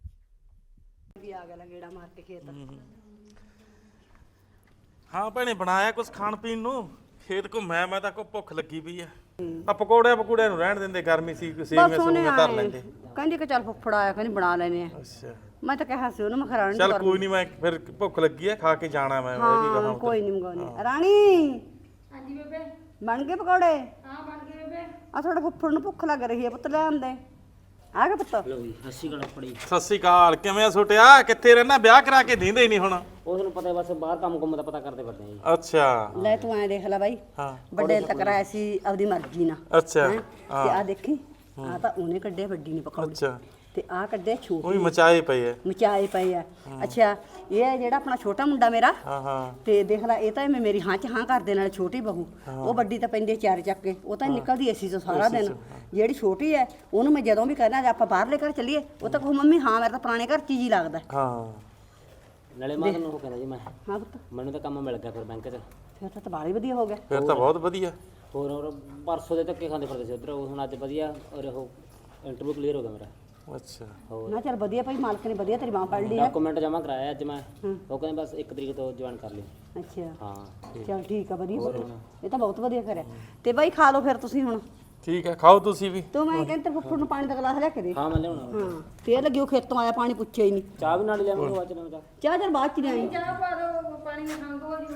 [SPEAKER 1] ਵੀ ਆ ਗਿਆ ਗੇੜਾ ਮਾਰ ਕੇ ਖੇਤ।
[SPEAKER 2] ਹਾਂ ਭੈਣੇ ਬਣਾਇਆ ਕੁਝ ਖਾਣ ਪੀਣ ਨੂੰ? ਖੇਤ ਘੁੰਮਿਆ ਮੈਂ ਤਾਂ ਕੋ ਭੁੱਖ ਲੱਗੀ ਪਈ ਆ ਆ ਪਕੌੜਿਆਂ ਪਕੌੜਿਆਂ ਨੂੰ ਰਹਿਣ ਦਿੰਦੇ, ਗਰਮੀ ਸੀ ਸੇਵੀਆਂ
[SPEAKER 1] ਬਸ ਉਹਨੇ
[SPEAKER 2] ਸੂਵੀਆਂ ਧਰ ਲੈਂਦੇ।
[SPEAKER 1] ਕਹਿੰਦੀ ਕਿ ਚੱਲ ਫੁੱਫੜ ਆਇਆ ਕਹਿੰਦੀ ਬਣਾ ਲੈਨੇ ਆ।
[SPEAKER 2] ਅੱਛਾ
[SPEAKER 1] ਮੈਂ ਤਾਂ ਕਿਹਾ ਸੀ ਉਹਨੂੰ ਮੈਂ ਖਰਾਣ
[SPEAKER 2] ਚੱਲ ਕੋਈ ਨਹੀਂ, ਮੈਂ ਫਿਰ ਭੁੱਖ ਲੱਗੀ ਆ, ਖਾ ਕੇ ਜਾਣਾ ਮੈਂ ਮੈਂ ਵੀ
[SPEAKER 1] ਹਾਂ ਕੋਈ ਨਹੀਂ ਮੰਗਾਉਣੀ। ਰਾਣੀ
[SPEAKER 5] ਹਾਂਜੀ ਬੇਬੇ
[SPEAKER 1] ਬਣ ਗਏ ਪਕੌੜੇ?
[SPEAKER 5] ਹਾਂ ਬਣ ਗਏ ਬੇਬੇ।
[SPEAKER 1] ਆ ਤੁਹਾਡੇ ਫੁੱਫੜ ਨੂੰ ਭੁੱਖ ਲੱਗ ਰਹੀ ਹੈ ਪੁੱਤ, ਲੈ ਆਂਦੇ ਆ ਗਿਆ ਪੁੱਤ।
[SPEAKER 2] ਸਤਿ ਸ਼੍ਰੀ ਅਕਾਲ, ਕਿਵੇਂ ਆ ਛੋਟਿਆ? ਕਿੱਥੇ ਰਹਿਣਾ? ਵਿਆਹ ਕਰਾ ਕੇ ਦਿੰਦੇ ਹੀ ਨਹੀਂ ਹੁਣ।
[SPEAKER 8] ਉਸ ਨੂੰ ਪਤਾ ਬਸ ਬਾਹਰ ਕੰਮ ਕੁੰਮ ਦਾ ਪਤਾ ਕਰਦੇ ਫਿਰਦੇ ਆ ਜੀ।
[SPEAKER 2] ਅੱਛਾ
[SPEAKER 1] ਲੈ ਤੂੰ ਐ ਦੇਖ ਲੈ ਬਾਈ,
[SPEAKER 2] ਹਾਂ
[SPEAKER 1] ਵੱਡੇ ਤੱਕ ਰਾਇਆ ਸੀ ਆਪਦੀ ਮਰਜ਼ੀ ਨਾਲ।
[SPEAKER 2] ਅੱਛਾ
[SPEAKER 1] ਹੈਂ? ਤੇ ਆ ਦੇਖੀ ਆ ਤਾਂ ਉਹਨੇ ਕੱਢੇ ਵੱਡੀ ਨੇ ਪਕੌੜੇ,
[SPEAKER 2] ਅੱਛਾ
[SPEAKER 1] ਤੇ ਆ ਕੱਢੇ ਛੋਟੇ
[SPEAKER 2] ਉਹ ਵੀ ਮਚਾਏ ਪਏ ਆ।
[SPEAKER 1] ਮਚਾਏ ਪਏ ਆ। ਅੱਛਾ ਇਹ ਹੈ ਜਿਹੜਾ ਆਪਣਾ ਛੋਟਾ ਮੁੰਡਾ ਮੇਰਾ,
[SPEAKER 2] ਹਾਂ ਹਾਂ
[SPEAKER 1] ਤੇ ਦੇਖ ਲੈ ਇਹ ਤਾਂ ਐਵੇਂ ਮੇਰੀ ਹਾਂ ਚ ਹਾਂ ਕਰਦੇ ਨਾਲ ਛੋਟੀ ਬਹੂ, ਉਹ ਵੱਡੀ ਤਾਂ ਪੈਂਦੀ ਚਾਰ ਚੱਕ ਕੇ, ਉਹ ਤਾਂ ਨਿਕਲਦੀ ਏਸੀ ਤੋਂ ਸਾਰਾ ਦਿਨ। ਜਿਹੜੀ ਛੋਟੀ ਹੈ ਉਹਨੂੰ ਮੈਂ ਜਦੋਂ ਵੀ ਕਹਿੰਦਾ ਆਪਾਂ ਬਾਹਰਲੇ ਘਰ ਚੱਲੀਏ, ਉਹ ਤਾਂ ਕਹੂ ਮੰਮੀ ਹਾਂ ਮੇਰਾ ਤਾਂ ਪੁਰਾਣੇ ਘਰ ਚ ਹੀ ਲੱਗਦਾ।
[SPEAKER 2] ਹਾਂ
[SPEAKER 8] ਨਾਲੇ ਮੈਂ ਤੁਹਾਨੂੰ ਉਹ ਕਹਿੰਦਾ ਜੀ, ਮੈਂ
[SPEAKER 1] ਹਾਂ ਪੁੱਤ
[SPEAKER 8] ਮੈਨੂੰ ਤਾਂ ਕੰਮ ਮਿਲ ਗਿਆ ਫਿਰ ਬੈਂਕ 'ਚ।
[SPEAKER 1] ਫਿਰ ਤਾਂ ਤਬਾਲੀ ਵਧੀਆ ਹੋ ਗਿਆ।
[SPEAKER 2] ਫਿਰ ਤਾਂ ਬਹੁਤ ਵਧੀਆ।
[SPEAKER 8] ਹੋਰ ਹੋਰ ਪਰਸੋਂ ਦੇ ਧੱਕੇ ਖਾਂਦੇ ਫਿਰਦੇ ਸੀ ਉੱਧਰ, ਉਹ ਹੁਣ ਅੱਜ ਵਧੀਆ ਔਰ ਉਹ ਇੰਟਰਵਿਊ ਕਲੀਅਰ ਹੋ ਗਿਆ ਮੇਰਾ।
[SPEAKER 2] ਅੱਛਾ
[SPEAKER 1] ਨਾ ਚੱਲ ਵਧੀਆ ਭਾਈ, ਮਾਲਕ ਨੇ ਵਧੀਆ ਤੇਰੀ ਬਾਂਹ ਪੜ ਲਈ ਹੈ।
[SPEAKER 8] ਡਾਕੂਮੈਂਟ ਜਮ੍ਹਾਂ ਕਰਾਇਆ ਅੱਜ ਮੈਂ, ਉਹ ਕਹਿੰਦੇ ਬਸ ਇੱਕ ਤਰੀਕ ਤੋਂ ਜੁਆਇਨ ਕਰ ਲਈ।
[SPEAKER 1] ਅੱਛਾ
[SPEAKER 8] ਹਾਂ
[SPEAKER 1] ਚੱਲ ਠੀਕ ਆ, ਵਧੀਆ ਪੁੱਤ, ਇਹ ਤਾਂ ਬਹੁਤ ਵਧੀਆ ਕਰਿਆ। ਤੇ ਬਾਈ ਖਾ ਲਓ ਫਿਰ ਤੁਸੀਂ ਹੁਣ।
[SPEAKER 2] ਠੀਕ ਹੈ, ਖਾਓ ਤੁਸੀਂ ਵੀ।
[SPEAKER 1] ਤੂੰ ਮੈਂ ਕਹਿੰਦਾ ਫੁੱਫੜ ਨੂੰ ਪਾਣੀ ਦਾ ਗਲਾਸ ਲਿਆ ਕੇ ਦੇ।
[SPEAKER 8] ਹਾਂ ਮੈਂ ਲਿਆਉਣਾ।
[SPEAKER 1] ਹਾਂ ਫੇਰ ਲੱਗਿਓ ਖੇਤੋਂ ਆਇਆ ਪਾਣੀ ਪੁੱਛਿਆ ਹੀ ਨਹੀਂ।
[SPEAKER 8] ਚਾਹ ਵੀ ਨਾਲ ਲਿਆਵਾਂਗੇ ਬਾਅਦ ਚ ਨਾ ਚਾਹ।
[SPEAKER 1] ਚਾਹ ਚੱਲ ਬਾਅਦ ਚ ਲਿਆਈ,
[SPEAKER 5] ਚਾਹ ਪਾ ਦੋ, ਪਾਣੀ ਨਾਲ ਖੰਗੋ ਜੀ।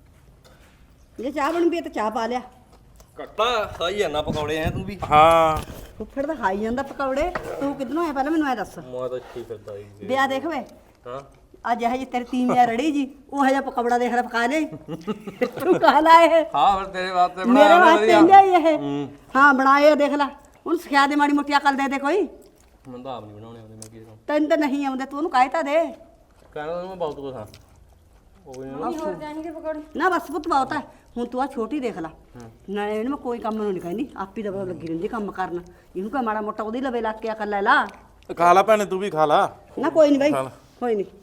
[SPEAKER 1] ਜੇ ਚਾਹ ਬਣ ਪਈ ਤਾਂ ਚਾਹ ਪਾ ਲਿਆ।
[SPEAKER 4] ਕੱਟਾ ਖਾਈ ਜਾਂਦਾ ਪਕੌੜੇ ਐ ਤੂੰ ਵੀ।
[SPEAKER 2] ਹਾਂ
[SPEAKER 1] ਫੁੱਫੜ ਤਾਂ ਖਾਈ ਜਾਂਦਾ ਪਕੌੜੇ, ਤੂੰ ਕਿੱਧਰੋਂ ਆਇਆ ਪਹਿਲਾਂ ਮੈਨੂੰ ਐ ਦੱਸ।
[SPEAKER 4] ਮੈਂ ਤਾਂ ਠੀਕ ਫਿਰਦਾ ਜੀ।
[SPEAKER 1] ਵਿਆਹ ਦੇਖ ਵੇ
[SPEAKER 4] ਹਾਂ
[SPEAKER 1] ਅੱਜ ਇਹ ਜੀ ਤੇਰੀ ਤੀਵੀਂ ਰੜੀ ਜੀ, ਉਹ ਜਿਹਾ ਪਕੌੜਾ ਦੇਖ ਲੈ ਪਕਾ ਲੈ ਤੂੰ ਖਾ ਲਾ ਇਹ।
[SPEAKER 4] ਹਾਂ ਫਿਰ ਤੇਰੇ ਵਾਸਤੇ
[SPEAKER 1] ਮੇਰੇ
[SPEAKER 4] ਬਣਾਇਆ
[SPEAKER 1] ਵਾਸਤੇ
[SPEAKER 4] ਵਧੀਆ।
[SPEAKER 1] ਇੰਦਾ ਹੀ ਇਹ। ਹਾਂ ਬਣਾਏ ਆ, ਦੇਖ ਲੈ ਹੁਣ ਸਿਖਾ ਦੇ, ਮਾੜੀ ਮੋਟੀ ਅਕਲ ਦੇ ਦੇ ਕੋਈ।
[SPEAKER 4] ਮੈਨੂੰ ਤਾਂ ਆਪ ਨਹੀਂ ਬਣਾਉਣੇ ਆਉਂਦੇ, ਮੈਂ ਕੀ ਕਰਾਂ।
[SPEAKER 1] ਤੈਨੂੰ ਤਾਂ ਨਹੀਂ ਆਉਂਦੇ, ਤੂੰ ਉਹਨੂੰ ਕਹਿ ਤਾਂ ਦੇ।
[SPEAKER 4] ਕਹਿੰਦਾ ਮੈਂ ਬਹੁਤ ਕੁਛ ਹਾਂ। ਉਹ ਵੀ ਨਾ
[SPEAKER 5] ਹੋਰ ਚਾਹੀਦੇ ਪਕੌੜੇ?
[SPEAKER 1] ਨਾ ਬਸ ਪੁੱਤ ਬਹੁਤ ਹੈ, ਹੁਣ ਤੂੰ ਆ ਛੋਟੀ ਦੇਖ ਲੈ, ਨਾਲੇ ਇਹਨੂੰ ਮੈਂ ਕੋਈ ਕੰਮ ਨੂੰ ਨਹੀਂ ਕਹਿੰਦੀ, ਆਪੀ ਦਾ ਪਤਾ ਲੱਗੀ ਰਹਿੰਦੀ ਕੰਮ ਕਰਨ। ਇਹਨੂੰ ਕਹ ਮਾੜਾ ਮੋਟਾ ਉਹਦੀ ਲਵੇ ਲੱਗ ਕੇ ਅਕਲ ਲੈ ਲਾ।
[SPEAKER 2] ਖਾ ਲਾ ਭੈਣੇ, ਤੂੰ ਵੀ ਖਾ ਲਾ।
[SPEAKER 1] ਨਾ ਕੋਈ ਨਹੀਂ ਬਾਈ, ਕੋਈ ਨਹੀਂ।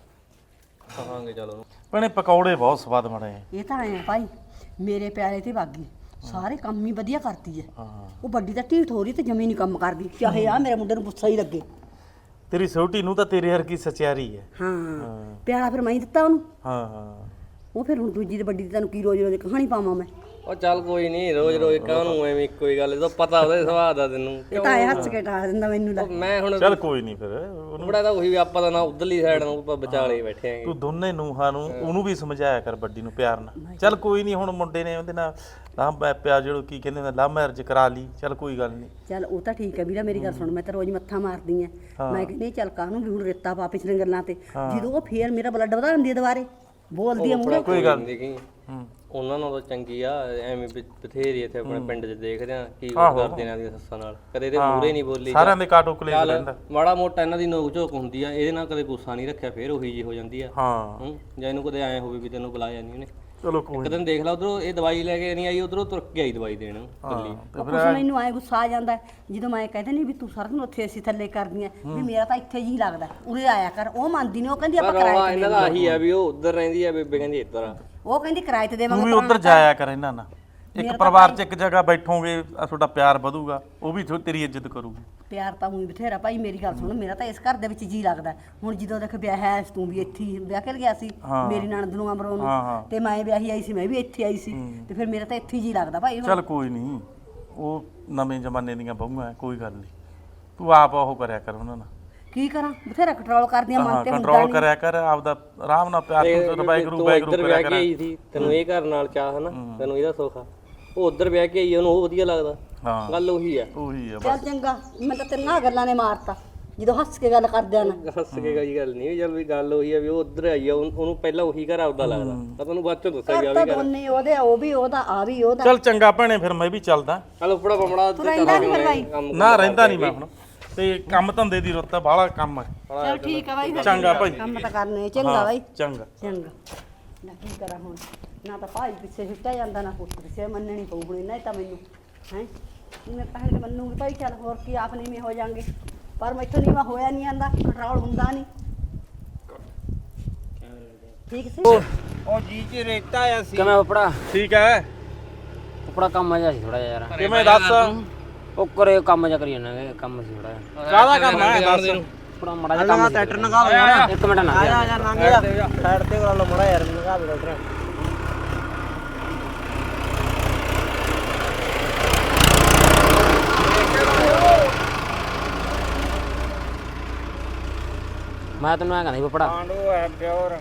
[SPEAKER 4] ਖਾਵਾਂਗੇ ਚਲ ਉਹਨੂੰ।
[SPEAKER 2] ਭੈਣੇ ਪਕੌੜੇ ਬਹੁਤ ਸਵਾਦ ਬਣੇ ਆ।
[SPEAKER 1] ਇਹ ਤਾਂ ਐ ਭਾਈ, ਮੇਰੇ ਪਿਆਰੇ ਤੇ ਬਾਗੀ ਸਾਰੇ ਕੰਮ ਹੀ ਵਧੀਆ ਕਰਦੀ ਹੈ। ਉਹ ਵੱਡੀ ਤਾਂ ਢੀਠ ਹੋ ਰਹੀ ਤੇ ਜਮੀ ਨਹੀਂ ਕੰਮ ਕਰਦੀ, ਚਾਹੇ ਆ ਮੇਰੇ ਮੁੰਡੇ ਨੂੰ ਗੁੱਸਾ ਹੀ ਲੱਗੇ।
[SPEAKER 2] ਤੇਰੀ ਛੋਟੀ ਨੂੰ ਤਾਂ ਤੇਰੇ ਵਰਗੀ ਸਚਿਆਰੀ ਹੈ।
[SPEAKER 1] ਹਾਂ ਪਿਆਰਾ ਫਿਰ ਮੈਂ ਹੀ ਦਿੱਤਾ ਉਹਨੂੰ।
[SPEAKER 2] ਹਾਂ ਹਾਂ
[SPEAKER 1] ਉਹ ਫਿਰ ਹੁਣ ਦੂਜੀ ਤੇ ਵੱਡੀ ਤੇ ਤੈਨੂੰ ਕੀ ਰੋਜ਼ ਰੋਜ਼ ਕਹਾਣੀ ਪਾਵਾਂ ਮੈਂ।
[SPEAKER 4] ਉਹ ਚੱਲ ਕੋਈ ਨਹੀਂ, ਰੋਜ਼ ਰੋਜ਼ ਕਾਹਨੂੰ ਐਵੇਂ ਇੱਕੋ ਹੀ ਗੱਲ, ਇਹ ਤਾਂ ਪਤਾ ਉਹਦੇ ਸੁਭਾਅ ਦਾ ਤੈਨੂੰ।
[SPEAKER 1] ਇਹ ਤਾਂ ਐ ਹੱਸ ਕੇ ਟਾਲ ਦਿੰਦਾ ਮੈਨੂੰ ਲੈ।
[SPEAKER 4] ਉਹ ਮੈਂ ਹੁਣ
[SPEAKER 2] ਚੱਲ ਕੋਈ ਨਹੀਂ, ਫਿਰ ਉਹਨੂੰ
[SPEAKER 4] ਬੜਾ ਤਾਂ ਉਹੀ ਵੀ ਆਪਾਂ ਤਾਂ ਨਾ ਉਧਰਲੀ ਸਾਈਡ ਨੂੰ ਆਪਾਂ ਵਿਚਾਲੇ ਬੈਠੇ ਆਂਗੇ।
[SPEAKER 2] ਤੂੰ ਦੋਨੇ ਨੂੰਹਾਂ ਨੂੰ ਉਹਨੂੰ ਵੀ ਸਮਝਾਇਆ ਕਰ, ਵੱਡੀ ਨੂੰ ਪਿਆਰ ਨਾਲ। ਚੱਲ ਕੋਈ ਨਹੀਂ, ਹੁਣ ਮੁੰਡੇ ਨੇ ਉਹਦੇ ਨਾਲ ਲਾਂਬਾ ਪਿਆ, ਜਿਹੜਾ ਕੀ ਕਹਿੰਦੇ ਨੇ ਲਵ ਮੈਰਿਜ ਕਰਾ ਲਈ, ਚੱਲ ਕੋਈ ਗੱਲ ਨਹੀਂ।
[SPEAKER 1] ਚੱਲ ਉਹ ਤਾਂ ਠੀਕ ਹੈ ਵੀਰਾ, ਮੇਰੀ ਗੱਲ ਸੁਣ, ਮੈਂ ਤਾਂ ਰੋਜ਼ ਮੱਥਾ ਮਾਰਦੀ ਆ। ਮੈਂ ਕਹਿੰਦੀ ਚੱਲ ਕਾਹਨੂੰ ਵੀ ਹੁਣ ਰੇਤਾ ਪਾ ਪਿਛਲੇ ਗੱਲਾਂ ਤੇ, ਜਦੋਂ ਉਹ ਫੇਰ ਮੇਰਾ ਬਲੱਡ ਵਧਾ ਦਿੰਦੀ ਹੈ ਦੁਬਾਰੇ, ਬੋਲਦੀ ਆ ਮੂਹਰੇ।
[SPEAKER 4] ਕੋਈ ਗੱਲ ਨਹੀਂ, ਉਹਨਾਂ ਨਾਲੋਂ ਤਾਂ ਚੰਗੀ ਆ। ਐਵੇਂ ਵੀ ਬਥੇਰੀ ਇੱਥੇ ਆਪਣੇ ਪਿੰਡ 'ਚ ਦੇਖਦੇ ਆ ਕੀ ਕੁਛ ਕਰਦੇ ਨੇ ਆਦੀਆਂ ਸੱਸਾਂ ਨਾਲ, ਕਦੇ ਤੇ ਮੂਹਰੇ ਨਹੀਂ ਬੋਲੀ।
[SPEAKER 2] ਸਾਰਿਆਂ ਦੇ ਕਾਟੋ ਕਲੇਸ਼
[SPEAKER 4] ਚੱਲ
[SPEAKER 2] ਰਹਿੰਦਾ।
[SPEAKER 4] ਮਾੜਾ ਮੋਟਾ ਇਹਨਾਂ ਦੀ ਨੋਕ ਝੋਕ ਹੁੰਦੀ ਆ, ਇਹਦੇ ਨਾਲ ਕਦੇ ਗੁੱਸਾ ਨਹੀਂ ਰੱਖਿਆ, ਫੇਰ ਉਹੀ ਜੀ ਹੋ ਜਾਂਦੀ ਆ।
[SPEAKER 2] ਹਾਂ
[SPEAKER 4] ਹੂੰ ਜਾਂ ਇਹਨੂੰ ਕਦੇ ਐ ਹੋਵੇ ਵੀ ਤੈਨੂੰ ਬੁਲਾਇਆ ਨਹੀਂ ਉਹਨੇ।
[SPEAKER 2] ਚਲੋ ਕੋਈ
[SPEAKER 4] ਇੱਕ ਦਿਨ ਦੇਖ ਲਾ ਉਧਰੋਂ ਇਹ ਦਵਾਈ ਲੈ ਕੇ ਨਹੀਂ ਆਈ, ਉਧਰੋਂ ਤੁਰ ਕੇ ਆਈ ਦਵਾਈ ਦੇਣ ਕੱਲੀ।
[SPEAKER 1] ਉਹ ਕੁਛ ਮੈਨੂੰ ਆਏ ਗੁੱਸਾ ਆ ਜਾਂਦਾ ਹੈ, ਜਦੋਂ ਮੈਂ ਕਹਿੰਦੇ ਨਹੀਂ ਵੀ ਤੂੰ ਸਾਰਾ ਦਿਨ ਉੱਥੇ ਅਸੀਂ ਥੱਲੇ ਕਰਦੀਆਂ ਵੀ ਮੇਰਾ ਤਾਂ ਇੱਥੇ ਜੀ ਲੱਗਦਾ, ਉਰੇ ਆਇਆ ਕਰ। ਉਹ ਮੰਨਦੀ ਨਹੀਂ, ਉਹ ਕਹਿੰਦੀ ਆਪਾਂ
[SPEAKER 4] ਪਰ
[SPEAKER 1] ਕਿਰਾਏ
[SPEAKER 4] ਰੌਲਾ
[SPEAKER 1] ਤੇ
[SPEAKER 4] ਇਹਨਾਂ ਦਾ ਆਹੀ ਆ ਵੀ ਉਹ ਉਧਰ ਰਹਿੰਦੀ ਆ, ਬੇਬੇ ਕਹਿੰਦੀ ਇੱਧਰ ਆ।
[SPEAKER 1] ਉਹ ਕਹਿੰਦੀ ਕਿਰਾਏ ਤੇ
[SPEAKER 2] ਤੂੰ
[SPEAKER 1] ਦੇਵਾਂਗੇ।
[SPEAKER 2] ਵੀ ਉਧਰ ਜਾਇਆ ਕਰ ਇਹਨਾਂ ਨਾਲ, ਇੱਕ ਪਰਿਵਾਰ 'ਚ ਇੱਕ ਜਗ੍ਹਾ ਬੈਠੋਗੇ, ਤੁਹਾਡਾ ਪਿਆਰ ਵਧੂਗਾ, ਉਹ ਵੀ ਥੋ- ਤੇਰੀ ਇੱਜ਼ਤ ਕਰੂਗੀ।
[SPEAKER 1] ਪਿਆਰ ਤਾਂ ਉਹੀ ਬਥੇਰਾ ਭਾਈ, ਮੇਰੀ ਗੱਲ ਸੁਣ, ਮੇਰਾ ਤਾਂ ਇਸ ਘਰ ਦੇ ਵਿੱਚ ਜੀ ਲੱਗਦਾ। ਹੁਣ ਜਦੋਂ ਦੇਖ ਵਿਆਹ ਹੈ, ਤੂੰ ਵੀ ਇੱਥੇ ਹੀ ਵਿਆਹ ਕੇ ਗਿਆ ਸੀ ਮੇਰੀ ਨਣਦ ਨੂੰ ਅਮਰੋਂ ਨੂੰ, ਤੇ ਮੈਂ ਵਿਆਹੀ ਆਈ ਸੀ, ਮੈਂ ਵੀ ਇੱਥੇ ਆਈ ਸੀ, ਤੇ ਫਿਰ ਮੇਰਾ ਤਾਂ ਇੱਥੇ ਹੀ ਜੀ ਲੱਗਦਾ ਭਾਈ।
[SPEAKER 2] ਚੱਲ ਕੋਈ ਨਹੀਂ, ਉਹ ਨਵੇਂ ਜ਼ਮਾਨੇ ਦੀਆਂ ਬਹੂਆਂ, ਕੋਈ ਗੱਲ ਨਹੀਂ। ਤੂੰ ਆਪ ਉਹ ਕਰਿਆ ਕਰ ਉਹਨਾਂ ਨਾਲ,
[SPEAKER 1] ਕੀ ਕਰਾਂ, ਬਥੇਰਾ ਕੰਟਰੋਲ ਕਰਦੀਆਂ ਮਨ ਤੇ ਹੁੰਦਾ
[SPEAKER 2] ਕੰਟਰੋਲ
[SPEAKER 1] ਨਹੀਂ।
[SPEAKER 2] ਕਰਿਆ ਕਰ ਆਪਦਾ, ਆਰਾਮ ਨਾਲ ਪਿਆਰ ਤੋਂ ਵਾਹਿਗੁਰੂ
[SPEAKER 4] ਤੂੰ
[SPEAKER 2] ਵਾਹਿਗੁਰੂ
[SPEAKER 4] ਇੱਧਰ
[SPEAKER 2] ਕਰਿਆ
[SPEAKER 4] ਵਿਆਹ
[SPEAKER 2] ਕਰ।
[SPEAKER 4] ਕੇ ਆਈ ਸੀ, ਤੈਨੂੰ ਇਹ ਘਰ ਨਾਲ ਚਾਹ ਹਨਾ, ਤੈਨੂੰ ਇਹਦਾ ਸੁੱਖ ਆ। ਉਹ ਉਧਰ ਵਿਆਹ ਕੇ ਆਈ, ਉਹਨੂੰ ਉਹ ਵਧੀਆ ਲੱਗਦਾ।
[SPEAKER 2] ਹਾਂ
[SPEAKER 4] ਗੱਲ ਉਹੀ ਆ।
[SPEAKER 2] ਉਹੀ ਆ
[SPEAKER 1] ਚੱਲ ਚੰਗਾ, ਮੈਂ ਤਾਂ ਤੇਰੀਆਂ ਗੱਲਾਂ ਨੇ ਮਾਰਤਾ ਜਦੋਂ ਹੱਸ ਕੇ ਗੱਲ ਕਰਦਿਆਂ ਨਾ।
[SPEAKER 4] ਹੱਸ ਕੇ ਕੋਈ ਗੱਲ ਨਹੀਂ, ਚੱਲ ਵੀ ਗੱਲ ਉਹੀ ਆ ਵੀ ਉਹ ਉਧਰ ਆਈ ਆ, ਉਹਨੂੰ ਉਹਨੂੰ ਪਹਿਲਾਂ ਉਹੀ ਘਰ ਆਪਦਾ ਲੱਗਦਾ। ਮੈਂ ਤੁਹਾਨੂੰ ਬਾਅਦ ਚੋਂ ਦੱਸਿਆ
[SPEAKER 1] ਤਾਂ ਦੋਨੇ ਉਹਦੇ, ਉਹ ਵੀ ਉਹਦਾ, ਆ ਵੀ ਉਹਦਾ।
[SPEAKER 2] ਚੱਲ ਚੰਗਾ ਭੈਣੇ, ਫਿਰ ਮੈਂ ਵੀ ਚੱਲਦਾ।
[SPEAKER 4] ਚੱਲ ਉਪੜਾ ਬੰਮੜਾ
[SPEAKER 1] ਤੂੰ ਰਹਿੰਦਾ ਨਹੀਂ ਫਿਰ ਭਾਈ?
[SPEAKER 2] ਨਾ ਰਹਿੰਦਾ ਨਹੀਂ ਮੈਂ ਹੁਣ, ਤੇ ਕੰਮ ਧੰਦੇ ਦੀ ਰੁੱਤ ਬਾਹਲਾ ਕੰਮ ਹੈ।
[SPEAKER 1] ਚੱਲ ਠੀਕ ਆ ਬਾਈ, ਫਿਰ
[SPEAKER 2] ਚੰਗਾ ਭਾਈ,
[SPEAKER 1] ਕੰਮ ਤਾਂ ਕਰਨੇ ਚੰਗਾ ਬਾਈ,
[SPEAKER 2] ਚੰਗਾ।
[SPEAKER 1] ਚੰਗਾ। ਨਾ ਕੀ ਕਰਾਂ ਹੁਣ, ਨਾ ਤਾਂ ਭਾਈ ਪਿੱਛੇ ਛੁੱਟਿਆ ਜਾਂਦਾ, ਨਾ ਪੁੱਤ ਪਿੱਛੇ ਮੰਨਣੀ ਪਊ ਹੁਣ ਇਹਨਾਂ ਤਾਂ ਮੈਨੂੰ ਹੈ। ਮੈਂ ਤਾਂ ਹਲੇ ਮੰਨੂਗੀ ਭਾਈ, ਚੱਲ ਹੋਰ ਕੀ ਆਪ ਨੀਵੇਂ ਹੋ ਜਾਾਂਗੇ, ਪਰ ਮੈਥੋਂ ਨੀਵਾਂ ਹੋਇਆ ਨਹੀਂ ਜਾਂਦਾ, ਕੰਟਰੋਲ ਹੁੰਦਾ ਨਹੀਂ। ਠੀਕ ਸੀ
[SPEAKER 9] ਉਹ ਜੀ ਚ ਰੇਤਾ ਆਇਆ ਸੀ।
[SPEAKER 8] ਕਿਵੇਂ ਉਪੜਾ
[SPEAKER 2] ਠੀਕ ਹੈ,
[SPEAKER 8] ਉਪੜਾ ਕੰਮ ਜਿਹਾ ਸੀ ਥੋੜਾ ਜਿਹਾ ਯਾਰ।
[SPEAKER 2] ਕਿਵੇਂ ਦੱਸ?
[SPEAKER 8] ਉਹ ਕਰੇ ਕੰਮ ਜਿਹਾ ਕਰੀ ਜਾਂਦਾ, ਕੰਮ ਸੀ ਥੋੜਾ ਜਿਹਾ।
[SPEAKER 2] ਕਾਹਦਾ ਕੰਮ ਹੈ ਦੱਸ?
[SPEAKER 8] ਉਪੜਾ ਮੜਾ ਜਿਹਾ ਕੰਮ ਸੀ।
[SPEAKER 9] ਟਰੈਕਟਰ ਨਗਾ ਦੋ ਯਾਰ,
[SPEAKER 8] ਇੱਕ ਮਿੰਟ ਨਾ
[SPEAKER 9] ਆ ਜਾ ਯਾਰ, ਲੰਘ ਜਾ ਸਾਈਡ ਤੇ ਵਾਲਾ ਮੜਾ ਯਾਰ, ਨਗਾ ਦੇ ਟਰੈਕਟਰ।
[SPEAKER 8] ਮੈਂ ਤੈਨੂੰ ਐ ਕਹਿੰਦਾ ਸੀ ਫੁੱਫੜਾ
[SPEAKER 9] ਆਂਡੋ ਹੈ ਪਿਓਰ